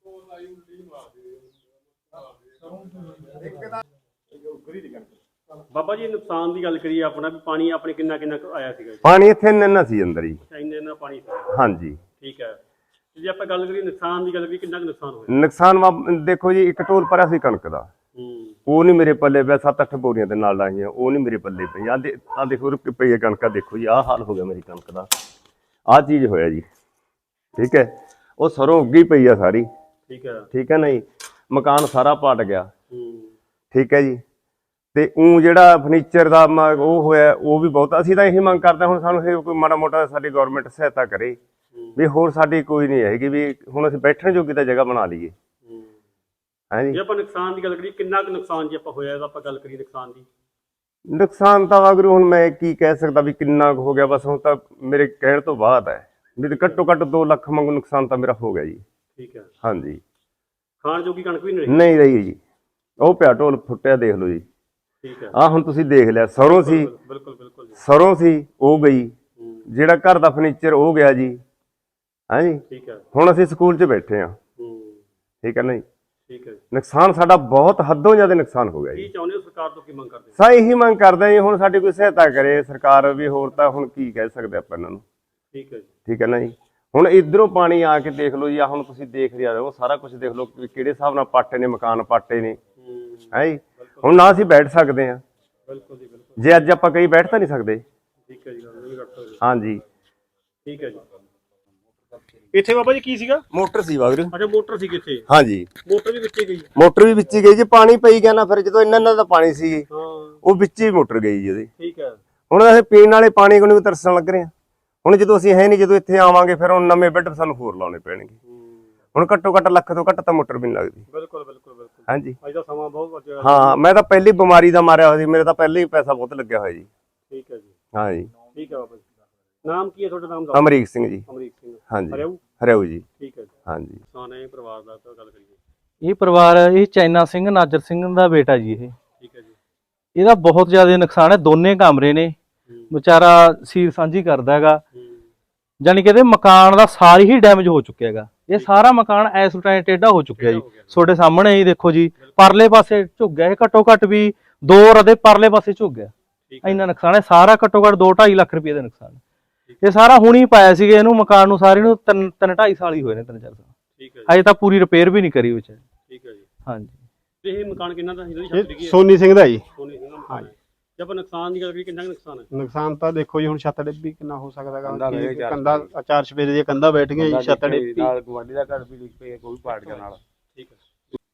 S2: ਬਾਬਾ ਜੀ ਨੁਕਸਾਨ ਦੀ ਗੱਲ ਕਰੀਏ ਆਪਣਾ ਵੀ ਪਾਣੀ ਆਪਣੇ ਕਿੰਨਾ ਕਿੰਨਾ ਆਇਆ ਸੀਗਾ
S11: ਪਾਣੀ ਇੱਥੇ ਇੰਨਾ ਸੀ ਅੰਦਰ ਹੀ
S2: ਇੰਨੇ ਇੰਨਾ ਪਾਣੀ
S11: ਹਾਂਜੀ
S2: ਠੀਕ ਹੈ ਜੇ ਆਪਾਂ ਗੱਲ ਕਰੀਏ ਨੁਕਸਾਨ ਦੀ ਗੱਲ ਕਰੀਏ ਕਿੰਨਾ ਕੁ ਨੁਕਸਾਨ ਹੋਇਆ
S11: ਨੁਕਸਾਨ ਦੇਖੋ ਜੀ ਇੱਕ ਢੋਲ ਭਰਿਆ ਸੀ ਕਣਕ ਦਾ ਉਹ ਨਹੀਂ ਮੇਰੇ ਪੱਲੇ ਪਿਆ ਸੱਤ ਅੱਠ ਬੋਰੀਆਂ ਦੇ ਨਾਲ ਲਾਈਆਂ ਉਹ ਨਹੀਂ ਮੇਰੇ ਪੱਲੇ ਪਈ ਆ ਦੇ ਆ ਦੇਖੋ ਰੁਕ ਪਈ ਹੈ ਕਣਕਾਂ ਦੇਖੋ ਜੀ ਆਹ ਹਾਲ ਹੋ ਗਿਆ ਮੇਰੀ ਕਣਕ ਦਾ ਆਹ ਚੀਜ਼ ਹੋਇਆ ਜੀ ਠੀਕ ਹੈ ਉਹ ਸਰੋਂ ਉੱਗੀ ਪਈ ਆ ਸਾਰੀ
S2: ਠੀਕ ਹੈ
S11: ਠੀਕ ਹੈ ਨਾ ਜੀ ਮਕਾਨ ਸਾਰਾ ਪਾਟ ਗਿਆ ਠੀਕ ਹੈ ਜੀ ਤੇ ਉਹ ਜਿਹੜਾ ਫਰਨੀਚਰ ਦਾ ਉਹ ਹੋਇਆ ਉਹ ਵੀ ਬਹੁਤ ਅਸੀਂ ਤਾਂ ਇਹੀ ਮੰਗ ਕਰਦੇ ਹੁਣ ਸਾਨੂੰ ਇਹ ਕੋਈ ਮਾੜਾ ਮੋਟਾ ਸਾਡੀ ਗਵਰਨਮੈਂਟ ਸਹਾਇਤਾ ਕਰੇ ਵੀ ਹੋਰ ਸਾਡੀ ਕੋਈ ਨਹੀਂ ਹੈਗੀ ਵੀ ਹੁਣ ਅਸੀਂ ਬੈਠਣ ਜੋਗੀ ਤਾਂ ਜਗ੍ਹਾ ਬਣਾ ਲਈਏ ਹਾਂਜੀ
S2: ਜੇ ਆਪਾਂ ਨੁਕਸਾਨ ਦੀ ਗੱਲ ਕਰੀਏ ਕਿੰਨਾ ਕੁ ਨੁਕਸਾਨ ਜੇ ਆਪਾਂ ਹੋਇਆ ਤਾਂ ਆਪਾਂ ਗੱਲ ਕਰੀਏ ਨੁਕਸਾਨ ਦੀ
S11: ਨੁਕਸਾਨ ਤਾਂ ਅਗਰ ਹੁਣ ਮੈਂ ਕੀ ਕਹਿ ਸਕਦਾ ਵੀ ਕਿੰਨਾ ਕੁ ਹੋ ਗਿਆ ਬਸ ਹੁਣ ਤਾਂ ਮੇਰੇ ਕਹਿਣ ਤੋਂ ਬਾਅਦ ਹੈ ਵੀ ਘੱਟੋ ਘੱਟ ਦੋ ਲੱਖ ਵਾਂਗੂ ਨੁਕਸਾਨ ਤਾਂ ਮੇਰਾ ਹੋ ਗਿਆ ਜੀ
S2: ਠੀਕ ਹੈ
S11: ਹਾਂਜੀ
S2: ਖਾਣ ਜੋਗੀ ਕਣਕ ਵੀ ਨਹੀਂ ਰਹੀ
S11: ਨਹੀਂ ਰਹੀ ਜੀ ਉਹ ਪਿਆ ਢੋਲ ਫੁੱਟਿਆ ਦੇਖ ਲਓ ਜੀ
S2: ਠੀਕ ਹੈ।
S18: ਆ ਹੁਣ ਤੁਸੀਂ ਦੇਖ ਲਿਆ, ਸਰੋਂ ਸੀ,
S2: ਬਿਲਕੁਲ ਬਿਲਕੁਲ ਜੀ।
S18: ਸਰੋਂ ਸੀ ਉਹ ਗਈ, ਜਿਹੜਾ ਘਰ ਦਾ ਫਰਨੀਚਰ ਉਹ ਗਿਆ ਜੀ। ਹਾਂਜੀ,
S2: ਠੀਕ ਹੈ।
S18: ਹੁਣ ਅਸੀਂ ਸਕੂਲ 'ਚ ਬੈਠੇ ਹਾਂ,
S2: ਹੂੰ
S18: ਠੀਕ ਹੈ ਨਾ ਜੀ।
S2: ਠੀਕ ਹੈ ਜੀ।
S18: ਨੁਕਸਾਨ ਸਾਡਾ ਬਹੁਤ ਹੱਦੋਂ ਜ਼ਿਆਦਾ ਨੁਕਸਾਨ ਹੋ ਗਿਆ ਜੀ।
S2: ਕੀ ਚਾਹੁੰਦੇ ਹੋ ਸਰਕਾਰ ਤੋਂ, ਕੀ ਮੰਗ ਕਰਦੇ ਹੋ?
S18: ਸਾ ਇਹੀ ਮੰਗ ਕਰਦੇ ਜੀ, ਹੁਣ ਸਾਡੀ ਕੋਈ ਸਹਾਇਤਾ ਕਰੇ ਸਰਕਾਰ ਵੀ, ਹੋਰ ਤਾਂ ਹੁਣ ਕੀ ਕਹਿ ਸਕਦੇ ਆਪਾਂ ਇਹਨਾਂ ਨੂੰ।
S2: ਠੀਕ ਹੈ ਜੀ।
S18: ਠੀਕ ਹੈ ਨਾ ਜੀ। ਹੁਣ ਇਧਰੋਂ ਪਾਣੀ ਆ ਕੇ ਦੇਖ ਲਓ ਜੀ, ਆ ਹੁਣ ਤੁਸੀਂ ਦੇਖ ਰਹੇ ਹੋ ਸਾਰਾ ਕੁਝ, ਦੇਖ ਲਓ ਕਿ ਕਿਹੜੇ ਹਿਸਾਬ ਨਾਲ ਪਾਟੇ ਨੇ, ਮਕਾਨ ਪਾਟੇ ਨੇ, ਹੈ ਜੀ। ਹੁਣ ਨਾ ਅਸੀਂ ਬੈਠ ਸਕਦੇ ਹਾਂ,
S2: ਬਿਲਕੁਲ ਜੀ ਬਿਲਕੁਲ।
S18: ਜੇ ਅੱਜ ਆਪਾਂ ਕਈ ਬੈਠ ਤਾਂ ਨਹੀਂ ਸਕਦੇ।
S2: ਠੀਕ ਹੈ ਜੀ, ਨਹੀਂ ਕਰ ਸਕਦੇ।
S18: ਹਾਂਜੀ
S2: ਠੀਕ ਹੈ ਜੀ। ਇੱਥੇ ਬਾਬਾ ਜੀ ਕੀ ਸੀਗਾ?
S18: ਮੋਟਰ ਸੀ ਵਾਗਰੂ।
S2: ਅੱਛਾ ਮੋਟਰ ਸੀ ਕਿੱਥੇ?
S18: ਹਾਂਜੀ
S2: ਮੋਟਰ ਵੀ ਵਿੱਚੇ ਗਈ?
S18: ਮੋਟਰ ਵੀ ਵਿੱਚ ਹੀ ਗਈ ਜੀ, ਪਾਣੀ ਪਈ ਗਿਆ ਨਾ, ਫਿਰ ਜਦੋਂ ਇੰਨਾ ਇੰਨਾ ਦਾ ਪਾਣੀ ਸੀ
S2: ਹਾਂ
S18: ਉਹ ਵਿੱਚ ਹੀ ਮੋਟਰ ਗਈ ਜੀ ਉਹਦੀ।
S2: ਠੀਕ ਹੈ।
S18: ਹੁਣ ਅਸੀਂ ਪੀਣ ਵਾਲੇ ਪਾਣੀ ਕੋਲ ਵੀ ਤਰਸਣ ਲੱਗ ਰਹੇ ਹਾਂ। ਹੁਣ ਜਦੋਂ ਅਸੀਂ ਹੈ ਨਹੀਂ, ਜਦੋਂ ਇੱਥੇ ਆਵਾਂਗੇ ਫਿਰ ਹੁਣ ਨਵੇਂ ਬੈੱਡ ਸਾਨੂੰ ਹੋਰ ਲਾਉਣੇ ਪੈਣਗੇ। ਹੁਣ ਘੱਟੋ ਘੱਟ ਲੱਖ ਤੋਂ ਘੱਟ ਤਾਂ ਮੋਟਰ ਵੀ ਨਹੀਂ ਲੱਗਦੀ।
S2: ਬਿਲਕੁਲ ਬਿਲਕੁਲ ਬਿਲਕੁਲ।
S18: ਹਾਂਜੀ
S2: ਅੱਜ ਦਾ ਸਮਾਂ ਬਹੁਤ ਵਧੀਆ।
S18: ਹਾਂ, ਮੈਂ ਤਾਂ ਪਹਿਲੀ ਬਿਮਾਰੀ ਦਾ ਮਾਰਿਆ ਹੋਇਆ ਸੀ, ਮੇਰੇ ਤਾਂ ਪਹਿਲੇ ਹੀ ਪੈਸਾ ਬਹੁਤ ਲੱਗਿਆ ਹੋਇਆ ਜੀ।
S2: ਠੀਕ ਹੈ ਜੀ।
S18: ਹਾਂ ਜੀ।
S2: ਠੀਕ ਹੈ ਬਾਬਾ ਜੀ। ਨਾਮ ਕੀ ਹੈ ਤੁਹਾਡਾ? ਨਾਮ ਦੱਸੋ।
S18: ਅਮਰੀਕ ਸਿੰਘ ਜੀ।
S2: ਅਮਰੀਕ ਸਿੰਘ।
S18: ਹਾਂਜੀ
S2: ਹਰਿਆਊ?
S18: ਹਰਿਆਊ ਜੀ।
S2: ਠੀਕ ਹੈ ਜੀ।
S18: ਹਾਂਜੀ।
S2: ਨੁਕਸਾਨ ਹੈ ਪਰਿਵਾਰ ਦਾ, ਤਾਂ ਗੱਲ ਕਰੀਏ।
S5: ਇਹ ਪਰਿਵਾਰ, ਇਹ ਚੈਨਾ ਸਿੰਘ ਨਾਜਰ ਸਿੰਘ ਦਾ ਬੇਟਾ ਜੀ। ਇਹ
S2: ਠੀਕ ਹੈ ਜੀ।
S5: ਇਹਦਾ ਬਹੁਤ ਜ਼ਿਆਦਾ ਨੁਕਸਾਨ ਹੈ। ਦੋਨੇ ਕਮਰੇ ਨੇ, ਵਿਚਾਰਾ ਸੀਰ ਸਾਂਝੀ ਕਰਦਾ ਹੈਗਾ। ਜਾਨੀ ਕਿ ਇਹਦੇ ਮਕਾਨ ਦਾ ਸਾਰੀ ਹੀ ਡੈਮੇਜ ਹੋ ਚੁੱਕਿਆ ਹੈਗਾ। ਇਹ ਸਾਰਾ ਮਕਾਨ ਇਸ ਟਾਈਮ ਟੇਢਾ ਹੋ ਚੁੱਕਿਆ ਜੀ। ਤੁਹਾਡੇ ਸਾਹਮਣੇ ਹੀ ਦੇਖੋ ਜੀ, ਪਰਲੇ ਪਾਸੇ ਝੁੱਕ ਗਿਆ ਇਹ, ਘੱਟੋ ਘੱਟ ਵੀ ਦੋ ਰਦੇ ਪਰਲੇ ਪਾਸੇ ਝੁੱਕ ਗਿਆ। ਇੰਨਾ ਨੁਕਸਾਨ ਹੈ ਸਾਰਾ, ਘੱਟੋ ਘੱਟ ਦੋ ਢਾਈ ਲੱਖ ਰੁਪਏ ਦਾ ਨੁਕਸਾਨ। ਇਹ ਸਾਰਾ ਹੁਣੀ ਪਾਇਆ ਸੀਗਾ ਇਹਨੂੰ, ਮਕਾਨ ਨੂੰ ਸਾਰੇ ਨੂੰ ਤਿੰਨ ਤਿੰਨ ਢਾਈ ਸਾਲ ਹੀ ਹੋਏ ਨੇ, ਤਿੰਨ ਚਾਰ ਸਾਲ।
S2: ਠੀਕ ਹੈ।
S5: ਅਜੇ ਤਾਂ ਪੂਰੀ ਰਿਪੇਅਰ ਵੀ ਨਹੀਂ ਕਰੀ ਵਿੱਚ।
S2: ਠੀਕ ਹੈ ਜੀ।
S5: ਹਾਂਜੀ।
S2: ਇਹ ਮਕਾਨ ਕਿੰਨਾ ਦਾ ਸੀ?
S16: ਇਹ ਸੋਨੀ ਸਿੰਘ ਦਾ ਜੀ।
S2: ਸੋਨੀ ਸਿੰਘ ਦਾ ਮਕਾਨ ਹੈ। ਜੇ ਆਪਾਂ ਨੁਕਸਾਨ ਦੀ ਗੱਲ ਕਰੀਏ, ਕਿੰਨਾ ਕੁ ਨੁਕਸਾਨ ਹੈ?
S16: ਨੁਕਸਾਨ ਤਾਂ ਦੇਖੋ ਜੀ, ਹੁਣ ਛੱਤ ਡਿੱਬੀ ਕਿੰਨਾ ਹੋ ਸਕਦਾ ਹੈਗਾ। ਕੰਧਾਂ ਚਾਰ ਚਫੇਰੇ ਦੀਆਂ ਕੰਧਾਂ ਬੈਠ ਗਈਆਂ ਜੀ, ਛੱਤ ਡਿੱਬੀ
S19: ਨਾਲ ਗਵਾਂਢੀ ਦਾ ਘਰ ਵੀ ਡਿੱਗ ਪਿਆ, ਕੋਈ ਪਾੜ ਗਿਆ ਨਾਲ।
S2: ਠੀਕ ਹੈ।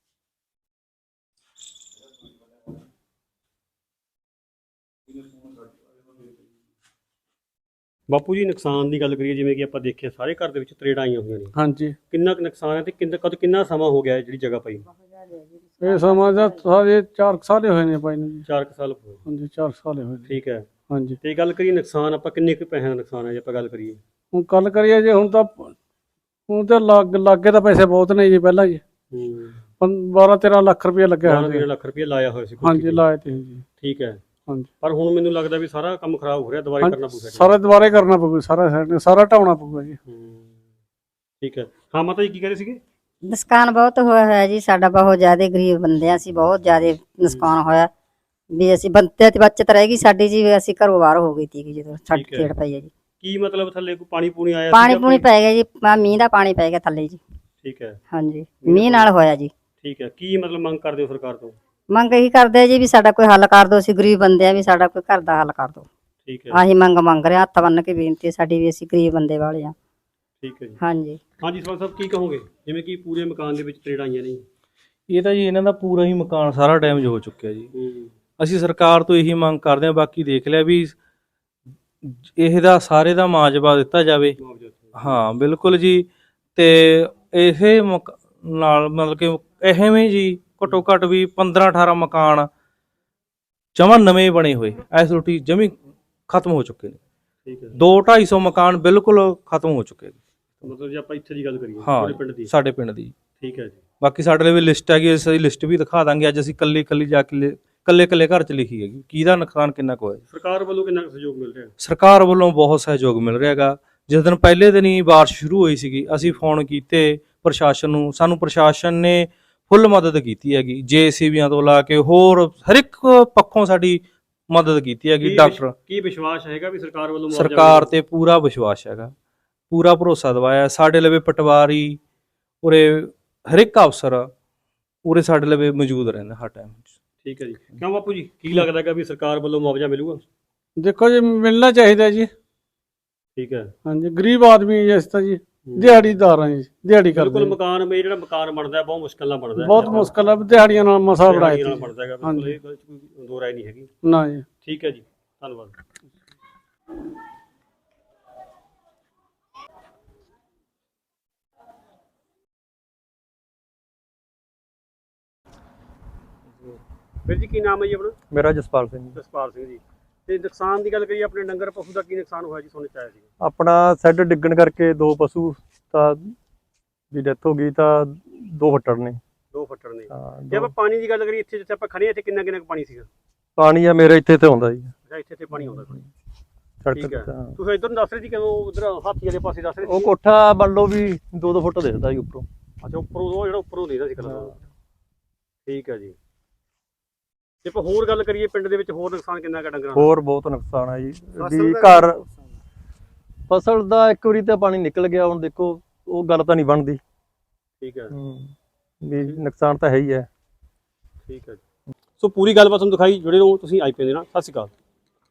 S2: ਬਾਪੂ ਜੀ, ਨੁਕਸਾਨ ਦੀ ਗੱਲ ਕਰੀਏ, ਜਿਵੇਂ ਕਿ ਆਪਾਂ ਦੇਖਿਆ ਸਾਰੇ ਘਰ ਦੇ ਵਿੱਚ ਤਰੇੜਾਂ ਆਈਆਂ ਹੋਈਆਂ ਨੇ।
S13: ਹਾਂਜੀ।
S2: ਕਿੰਨਾ ਕੁ ਨੁਕਸਾਨ ਹੈ ਤੇ ਕਿੰਨਾ ਕਦ ਕਿੰਨਾ ਸਮਾਂ ਹੋ ਗਿਆ ਹੈ ਜਿਹੜੀ ਜਗ੍ਹਾ ਪਈ?
S13: ਇਹ ਸਮਾਂ ਦਾ ਸਾਰੇ ਚਾਰ ਸਾਲ ਹੋਏ ਨੇ ਪਾਈ ਨੂੰ ਜੀ।
S2: ਚਾਰ ਕੁ ਸਾਲ ਹੋਏ।
S13: ਹਾਂਜੀ, ਚਾਰ ਸਾਲ ਹੋਏ ਨੇ।
S2: ਠੀਕ ਹੈ।
S13: ਹਾਂਜੀ।
S2: ਤੇ ਗੱਲ ਕਰੀਏ ਨੁਕਸਾਨ, ਆਪਾਂ ਕਿੰਨੇ ਕੁ ਪੈਸੇ ਦਾ ਨੁਕਸਾਨ ਹੈ ਜੇ ਆਪਾਂ ਗੱਲ ਕਰੀਏ?
S13: ਹੁਣ ਗੱਲ ਕਰੀਏ ਜੇ, ਹੁਣ ਤਾਂ ਹੁਣ ਤਾਂ ਲੱਗ ਲਾਗੇ ਤਾਂ ਪੈਸੇ ਬਹੁਤ ਨੇ ਜੀ ਪਹਿਲਾਂ ਜੀ।
S2: ਹੂੰ।
S13: ਬਾਰਾਂ ਤੇਰਾਂ ਲੱਖ ਰੁਪਏ ਲੱਗਿਆ
S2: ਬਾਰਾਂ ਤੇਰਾਂ ਲੱਖ ਰੁਪਏ ਲਾਇਆ ਹੋਇਆ ਸੀ।
S13: ਹਾਂਜੀ, ਲਾਏ ਤੇ ਜੀ।
S2: ਠੀਕ ਹੈ।
S13: ਹਾਂਜੀ।
S2: ਪਰ ਹੁਣ ਮੈਨੂੰ ਲੱਗਦਾ ਵੀ ਸਾਰਾ ਕੰਮ ਖਰਾਬ ਹੋ ਰਿਹਾ, ਦੁਬਾਰਾ ਕਰਨਾ ਪਊਗਾ।
S13: ਸਾਰਾ ਦੁਬਾਰਾ ਕਰਨਾ ਪਊਗਾ, ਸਾਰਾ ਸਾਰਾ ਢਾਉਣਾ ਪਊਗਾ ਜੀ।
S2: ਠੀਕ ਹੈ। ਹਾਂ ਮਾਤਾ ਜੀ, ਕੀ ਕਹਿ ਰਹੇ ਸੀਗੇ?
S4: ਨੁਕਸਾਨ ਬਹੁਤ ਹੋਇਆ ਹੋਇਆ ਜੀ ਸਾਡਾ, ਬਹੁਤ ਜ਼ਿਆਦਾ ਗਰੀਬ ਬੰਦੇ ਆ ਅਸੀਂ, ਬਹੁਤ ਜ਼ਿਆਦਾ ਨੁਕਸਾਨ ਹੋਇਆ ਵੀ। ਅਸੀਂ ਬੰਦੇ ਤੇ ਬੱਚਤ ਰਹਿ ਗਈ ਸਾਡੀ ਜੀ, ਅਸੀਂ ਘਰੋਂ ਬਾਹਰ ਹੋ ਗਈ ਸੀ ਜਦੋਂ ਸਾਡੀ ਖੇੜ ਪਈ ਹੈ ਜੀ।
S2: ਕੀ ਮਤਲਬ ਥੱਲੇ ਕੋਈ ਪਾਣੀ ਪੂਣੀ ਆਇਆ?
S4: ਪਾਣੀ ਪੂਣੀ ਪੈ ਗਿਆ ਜੀ, ਮੀਂਹ ਦਾ ਪਾਣੀ ਪੈ ਗਿਆ ਥੱਲੇ ਜੀ।
S2: ਠੀਕ ਹੈ।
S4: ਹਾਂਜੀ, ਮੀਂਹ ਨਾਲ ਹੋਇਆ ਜੀ।
S2: ਠੀਕ ਹੈ। ਕੀ ਮਤਲਬ ਮੰਗ ਕਰਦੇ ਹੋ ਸਰਕਾਰ ਤੋਂ?
S4: ਮੰਗ ਇਹੀ ਕਰਦੇ ਆ ਜੀ ਵੀ ਸਾਡਾ ਕੋਈ ਹੱਲ ਕਰ ਦਿਓ, ਅਸੀਂ ਗਰੀਬ ਬੰਦੇ ਆ, ਵੀ ਸਾਡਾ ਕੋਈ ਘਰ ਦਾ ਹੱਲ ਕਰ ਦਿਓ।
S2: ਠੀਕ ਹੈ।
S4: ਆਹੀ ਮੰਗ ਮੰਗ ਰਿਹਾ, ਹੱਥ ਬੰਨ ਕੇ ਬੇਨਤੀ ਹੈ ਸਾਡੀ ਵੀ, ਅਸੀਂ ਗਰੀਬ ਬੰਦੇ ਵਾਲੇ ਆ।
S2: ਠੀਕ ਹੈ ਜੀ।
S4: ਹਾਂਜੀ।
S2: ਹਾਂਜੀ ਸਰਪੰਚ ਸਾਹਿਬ, ਕੀ ਕਹੋਗੇ? ਜਿਵੇਂ ਕਿ ਪੂਰੇ ਮਕਾਨ ਦੇ ਵਿੱਚ ਤਰੇੜਾਂ ਆਈਆਂ ਨੇ।
S5: ਇਹ ਤਾਂ ਜੀ ਇਹਨਾਂ ਦਾ ਪੂਰਾ ਹੀ ਮਕਾਨ ਸਾਰਾ ਡੈਮੇਜ ਹੋ ਚੁੱਕਿਆ ਜੀ। ਅਸੀਂ ਸਰਕਾਰ ਤੋਂ ਇਹੀ ਮੰਗ ਕਰਦੇ ਹਾਂ, ਬਾਕੀ ਦੇਖ ਲਿਆ ਵੀ ਇਹਦਾ ਸਾਰੇ ਦਾ ਮੁਆਵਜ਼ਾ ਦਿੱਤਾ ਜਾਵੇ। ਹਾਂ ਬਿਲਕੁਲ ਜੀ। ਤੇ ਇਹ ਮਕ ਨਾਲ ਮਤਲਬ ਕਿ ਐਵੇਂ ਜੀ ਘੱਟੋ ਘੱਟ ਵੀ ਪੰਦਰਾਂ ਅਠਾਰਾਂ ਮਕਾਨ ਜਮਾਂ ਨਵੇਂ ਬਣੇ ਹੋਏ ਇਸ ਰੋਟੀ ਜਮੀ ਖਤਮ ਹੋ ਚੁੱਕੇ ਨੇ।
S2: ਠੀਕ ਹੈ।
S5: ਦੋ ਢਾਈ ਸੌ ਮਕਾਨ ਬਿਲਕੁਲ ਖਤਮ ਹੋ ਚੁੱਕੇ ਨੇ।
S2: ਮਤਲਬ ਜੇ ਆਪਾਂ ਇੱਥੇ ਦੀ ਗੱਲ ਕਰੀਏ,
S5: ਹਾਂ
S2: ਪਿੰਡ ਦੀ,
S5: ਸਾਡੇ ਪਿੰਡ ਦੀ।
S2: ਠੀਕ ਹੈ ਜੀ।
S5: ਬਾਕੀ ਸਾਡੇ ਲਈ ਵੀ ਲਿਸਟ ਹੈਗੀ, ਅਸੀਂ ਲਿਸਟ ਵੀ ਦਿਖਾ ਦਾਂਗੇ। ਅੱਜ ਅਸੀਂ ਕੱਲੀ ਕੱਲੀ ਜਾ ਕੇ ਕੱਲੇ ਕੱਲੇ ਘਰ 'ਚ ਲਿਖੀ ਹੈਗੀ ਕਿਹਦਾ ਨੁਕਸਾਨ ਕਿੰਨਾ ਕੁ ਹੋਇਆ।
S2: ਸਰਕਾਰ ਵੱਲੋਂ ਕਿੰਨਾ ਸਹਿਯੋਗ ਮਿਲ ਰਿਹਾ?
S5: ਸਰਕਾਰ ਵੱਲੋਂ ਬਹੁਤ ਸਹਿਯੋਗ ਮਿਲ ਰਿਹਾ ਹੈਗਾ। ਜਿਸ ਦਿਨ ਪਹਿਲੇ ਦਿਨ ਹੀ ਬਾਰਿਸ਼ ਸ਼ੁਰੂ ਹੋਈ ਸੀਗੀ, ਅਸੀਂ ਫੋਨ ਕੀਤੇ ਪ੍ਰਸ਼ਾਸਨ ਨੂੰ, ਸਾਨੂੰ ਪ੍ਰਸ਼ਾਸਨ ਨੇ ਫੁੱਲ ਮਦਦ ਕੀਤੀ ਹੈਗੀ, ਜੇ ਸੀ ਬੀਆਂ ਤੋਂ ਲਾ ਕੇ ਹੋਰ ਹਰ ਇੱਕ ਪੱਖੋਂ ਸਾਡੀ ਮਦਦ ਕੀਤੀ ਹੈਗੀ। ਡਾਕਟਰ
S2: ਕੀ ਵਿਸ਼ਵਾਸ ਹੈਗਾ ਵੀ ਸਰਕਾਰ ਵੱਲੋਂ?
S5: ਸਰਕਾਰ ਤੇ ਪੂਰਾ ਵਿਸ਼ਵਾਸ ਹੈਗਾ, ਪੂਰਾ ਭਰੋਸਾ ਦਵਾਇਆ। ਸਾਡੇ ਲਵੇ ਪਟਵਾਰੀ, ਉਰੇ ਹਰ ਇੱਕ ਅਫਸਰ ਉਰੇ ਸਾਡੇ ਲਵੇ ਮੌਜੂਦ ਰਹਿੰਦਾ ਹਰ ਟਾਈਮ।
S2: ਠੀਕ ਹੈ ਜੀ। ਕਿਉਂ ਬਾਪੂ ਜੀ, ਕੀ ਲੱਗਦਾ ਹੈਗਾ ਵੀ ਸਰਕਾਰ ਵੱਲੋਂ ਮੁਆਵਜ਼ਾ ਮਿਲੂਗਾ?
S13: ਦੇਖੋ ਜੀ, ਮਿਲਣਾ ਚਾਹੀਦਾ ਜੀ।
S2: ਠੀਕ ਹੈ।
S13: ਹਾਂਜੀ, ਗਰੀਬ ਆਦਮੀ ਜਿਸ ਤਾਂ ਜੀ, ਦਿਹਾੜੀਦਾਰ ਆ ਜੀ, ਦਿਹਾੜੀ ਕਰਦੇ।
S2: ਬਿਲਕੁਲ। ਮਕਾਨ ਮੇ ਜਿਹੜਾ ਮਕਾਨ ਬਣਦਾ ਬਹੁਤ ਮੁਸ਼ਕਲ ਨਾਲ ਬਣਦਾ,
S13: ਬਹੁਤ ਮੁਸ਼ਕਲ ਹੈ, ਦਿਹਾੜੀਆਂ ਨਾਲ ਮਸਾ ਬਣਾਇਆ
S2: ਨਾਲ ਬਣਦਾ ਹੈਗਾ। ਬਿਲਕੁਲ, ਇਹ ਗੱਲ 'ਚ ਕੋਈ ਦੋ ਰਾਏ ਨਹੀਂ ਹੈਗੀ।
S13: ਨਾ ਜੀ।
S2: ਠੀਕ ਹੈ ਜੀ, ਧੰਨਵਾਦ। ਵੀਰ ਜੀ, ਕੀ ਨਾਮ ਹੈ ਜੀ ਆਪਣਾ?
S20: ਮੇਰਾ ਜਸਪਾਲ ਸਿੰਘ ਜੀ।
S2: ਜਸਪਾਲ ਸਿੰਘ ਜੀ। ਤੇ ਨੁਕਸਾਨ ਦੀ ਗੱਲ ਕਰੀਏ, ਆਪਣੇ ਡੰਗਰ ਪਸ਼ੂ ਦਾ ਕੀ ਨੁਕਸਾਨ ਹੋਇਆ ਜੀ? ਸੁਣਨ ਚ ਆਇਆ ਸੀ
S20: ਆਪਣਾ ਸੈੱਡ ਡਿੱਗਣ ਕਰਕੇ ਦੋ ਪਸ਼ੂ ਤਾਂ ਦੀ ਡੈਥ ਹੋ ਗਈ, ਤਾਂ ਦੋ ਫੱਟੜ ਨੇ।
S2: ਦੋ ਫੱਟੜ ਨੇ। ਜੇ ਆਪਾਂ ਪਾਣੀ ਦੀ ਗੱਲ ਕਰੀਏ, ਇੱਥੇ ਜਿੱਥੇ ਆਪਾਂ ਖੜੇ ਹਾਂ, ਇੱਥੇ ਕਿੰਨਾ ਕਿੰਨਾ ਪਾਣੀ ਸੀਗਾ?
S20: ਪਾਣੀ ਆ ਮੇਰੇ ਇੱਥੇ ਤੇ ਆਉਂਦਾ ਜੀ
S2: ਅੱਛਾ ਇੱਥੇ ਤੇ ਪਾਣੀ ਆਉਂਦਾ ਕੋਈ
S20: ਸੜਕ
S2: ਠੀਕ ਹੈ
S20: ਤੇ ਹਾਂ।
S2: ਤੁਸੀਂ ਇੱਧਰ ਨੂੰ ਦੱਸ ਰਹੇ ਸੀ ਕਿਵੇਂ ਉਧਰ ਹਾਥੀ ਵਾਲੇ ਪਾਸੇ ਦੱਸ ਰਹੇ ਸੀ
S20: ਉਹ ਕੋਠਾ ਮੰਨ ਲਓ ਵੀ ਦੋ ਦੋ ਫੁੱਟ ਦਿਖਦਾ ਜੀ ਉੱਪਰੋਂ।
S2: ਅੱਛਾ ਉੱਪਰੋਂ ਉਹ ਜਿਹੜਾ ਉੱਪਰੋਂ ਦੇਖਦਾ ਸੀ ਕਲਰ ਠੀਕ ਹੈ ਜੀ। ਜੇ ਆਪਾਂ ਹੋਰ ਗੱਲ ਕਰੀਏ ਪਿੰਡ ਦੇ ਵਿੱਚ ਹੋਰ ਨੁਕਸਾਨ ਕਿੰਨਾ ਕੁ ਡੰਗਰਾਂ ਦਾ?
S20: ਹੋਰ ਬਹੁਤ ਨੁਕਸਾਨ ਆ ਜੀ
S2: ਫਸਲ
S20: ਵੀ
S2: ਦਾ
S20: ਘਰ ਫਸਲ ਦਾ ਇੱਕ ਵਾਰੀ ਤਾਂ ਪਾਣੀ ਨਿਕਲ ਗਿਆ ਹੁਣ ਦੇਖੋ ਉਹ ਗੱਲ ਤਾਂ ਨਹੀਂ ਬਣਦੀ
S2: ਠੀਕ ਹੈ
S20: ਵੀ ਨੁਕਸਾਨ ਤਾਂ ਹੈ ਹੀ ਹੈ।
S2: ਠੀਕ ਹੈ ਸੋ ਪੂਰੀ ਗੱਲਬਾਤ ਤੁਹਾਨੂੰ ਦਿਖਾਈ ਜੁੜੇ ਰਹੋ ਤੁਸੀਂ ਆਈ ਪੀ ਦੇ ਨਾਲ। ਸਤਿ ਸ਼੍ਰੀ ਅਕਾਲ।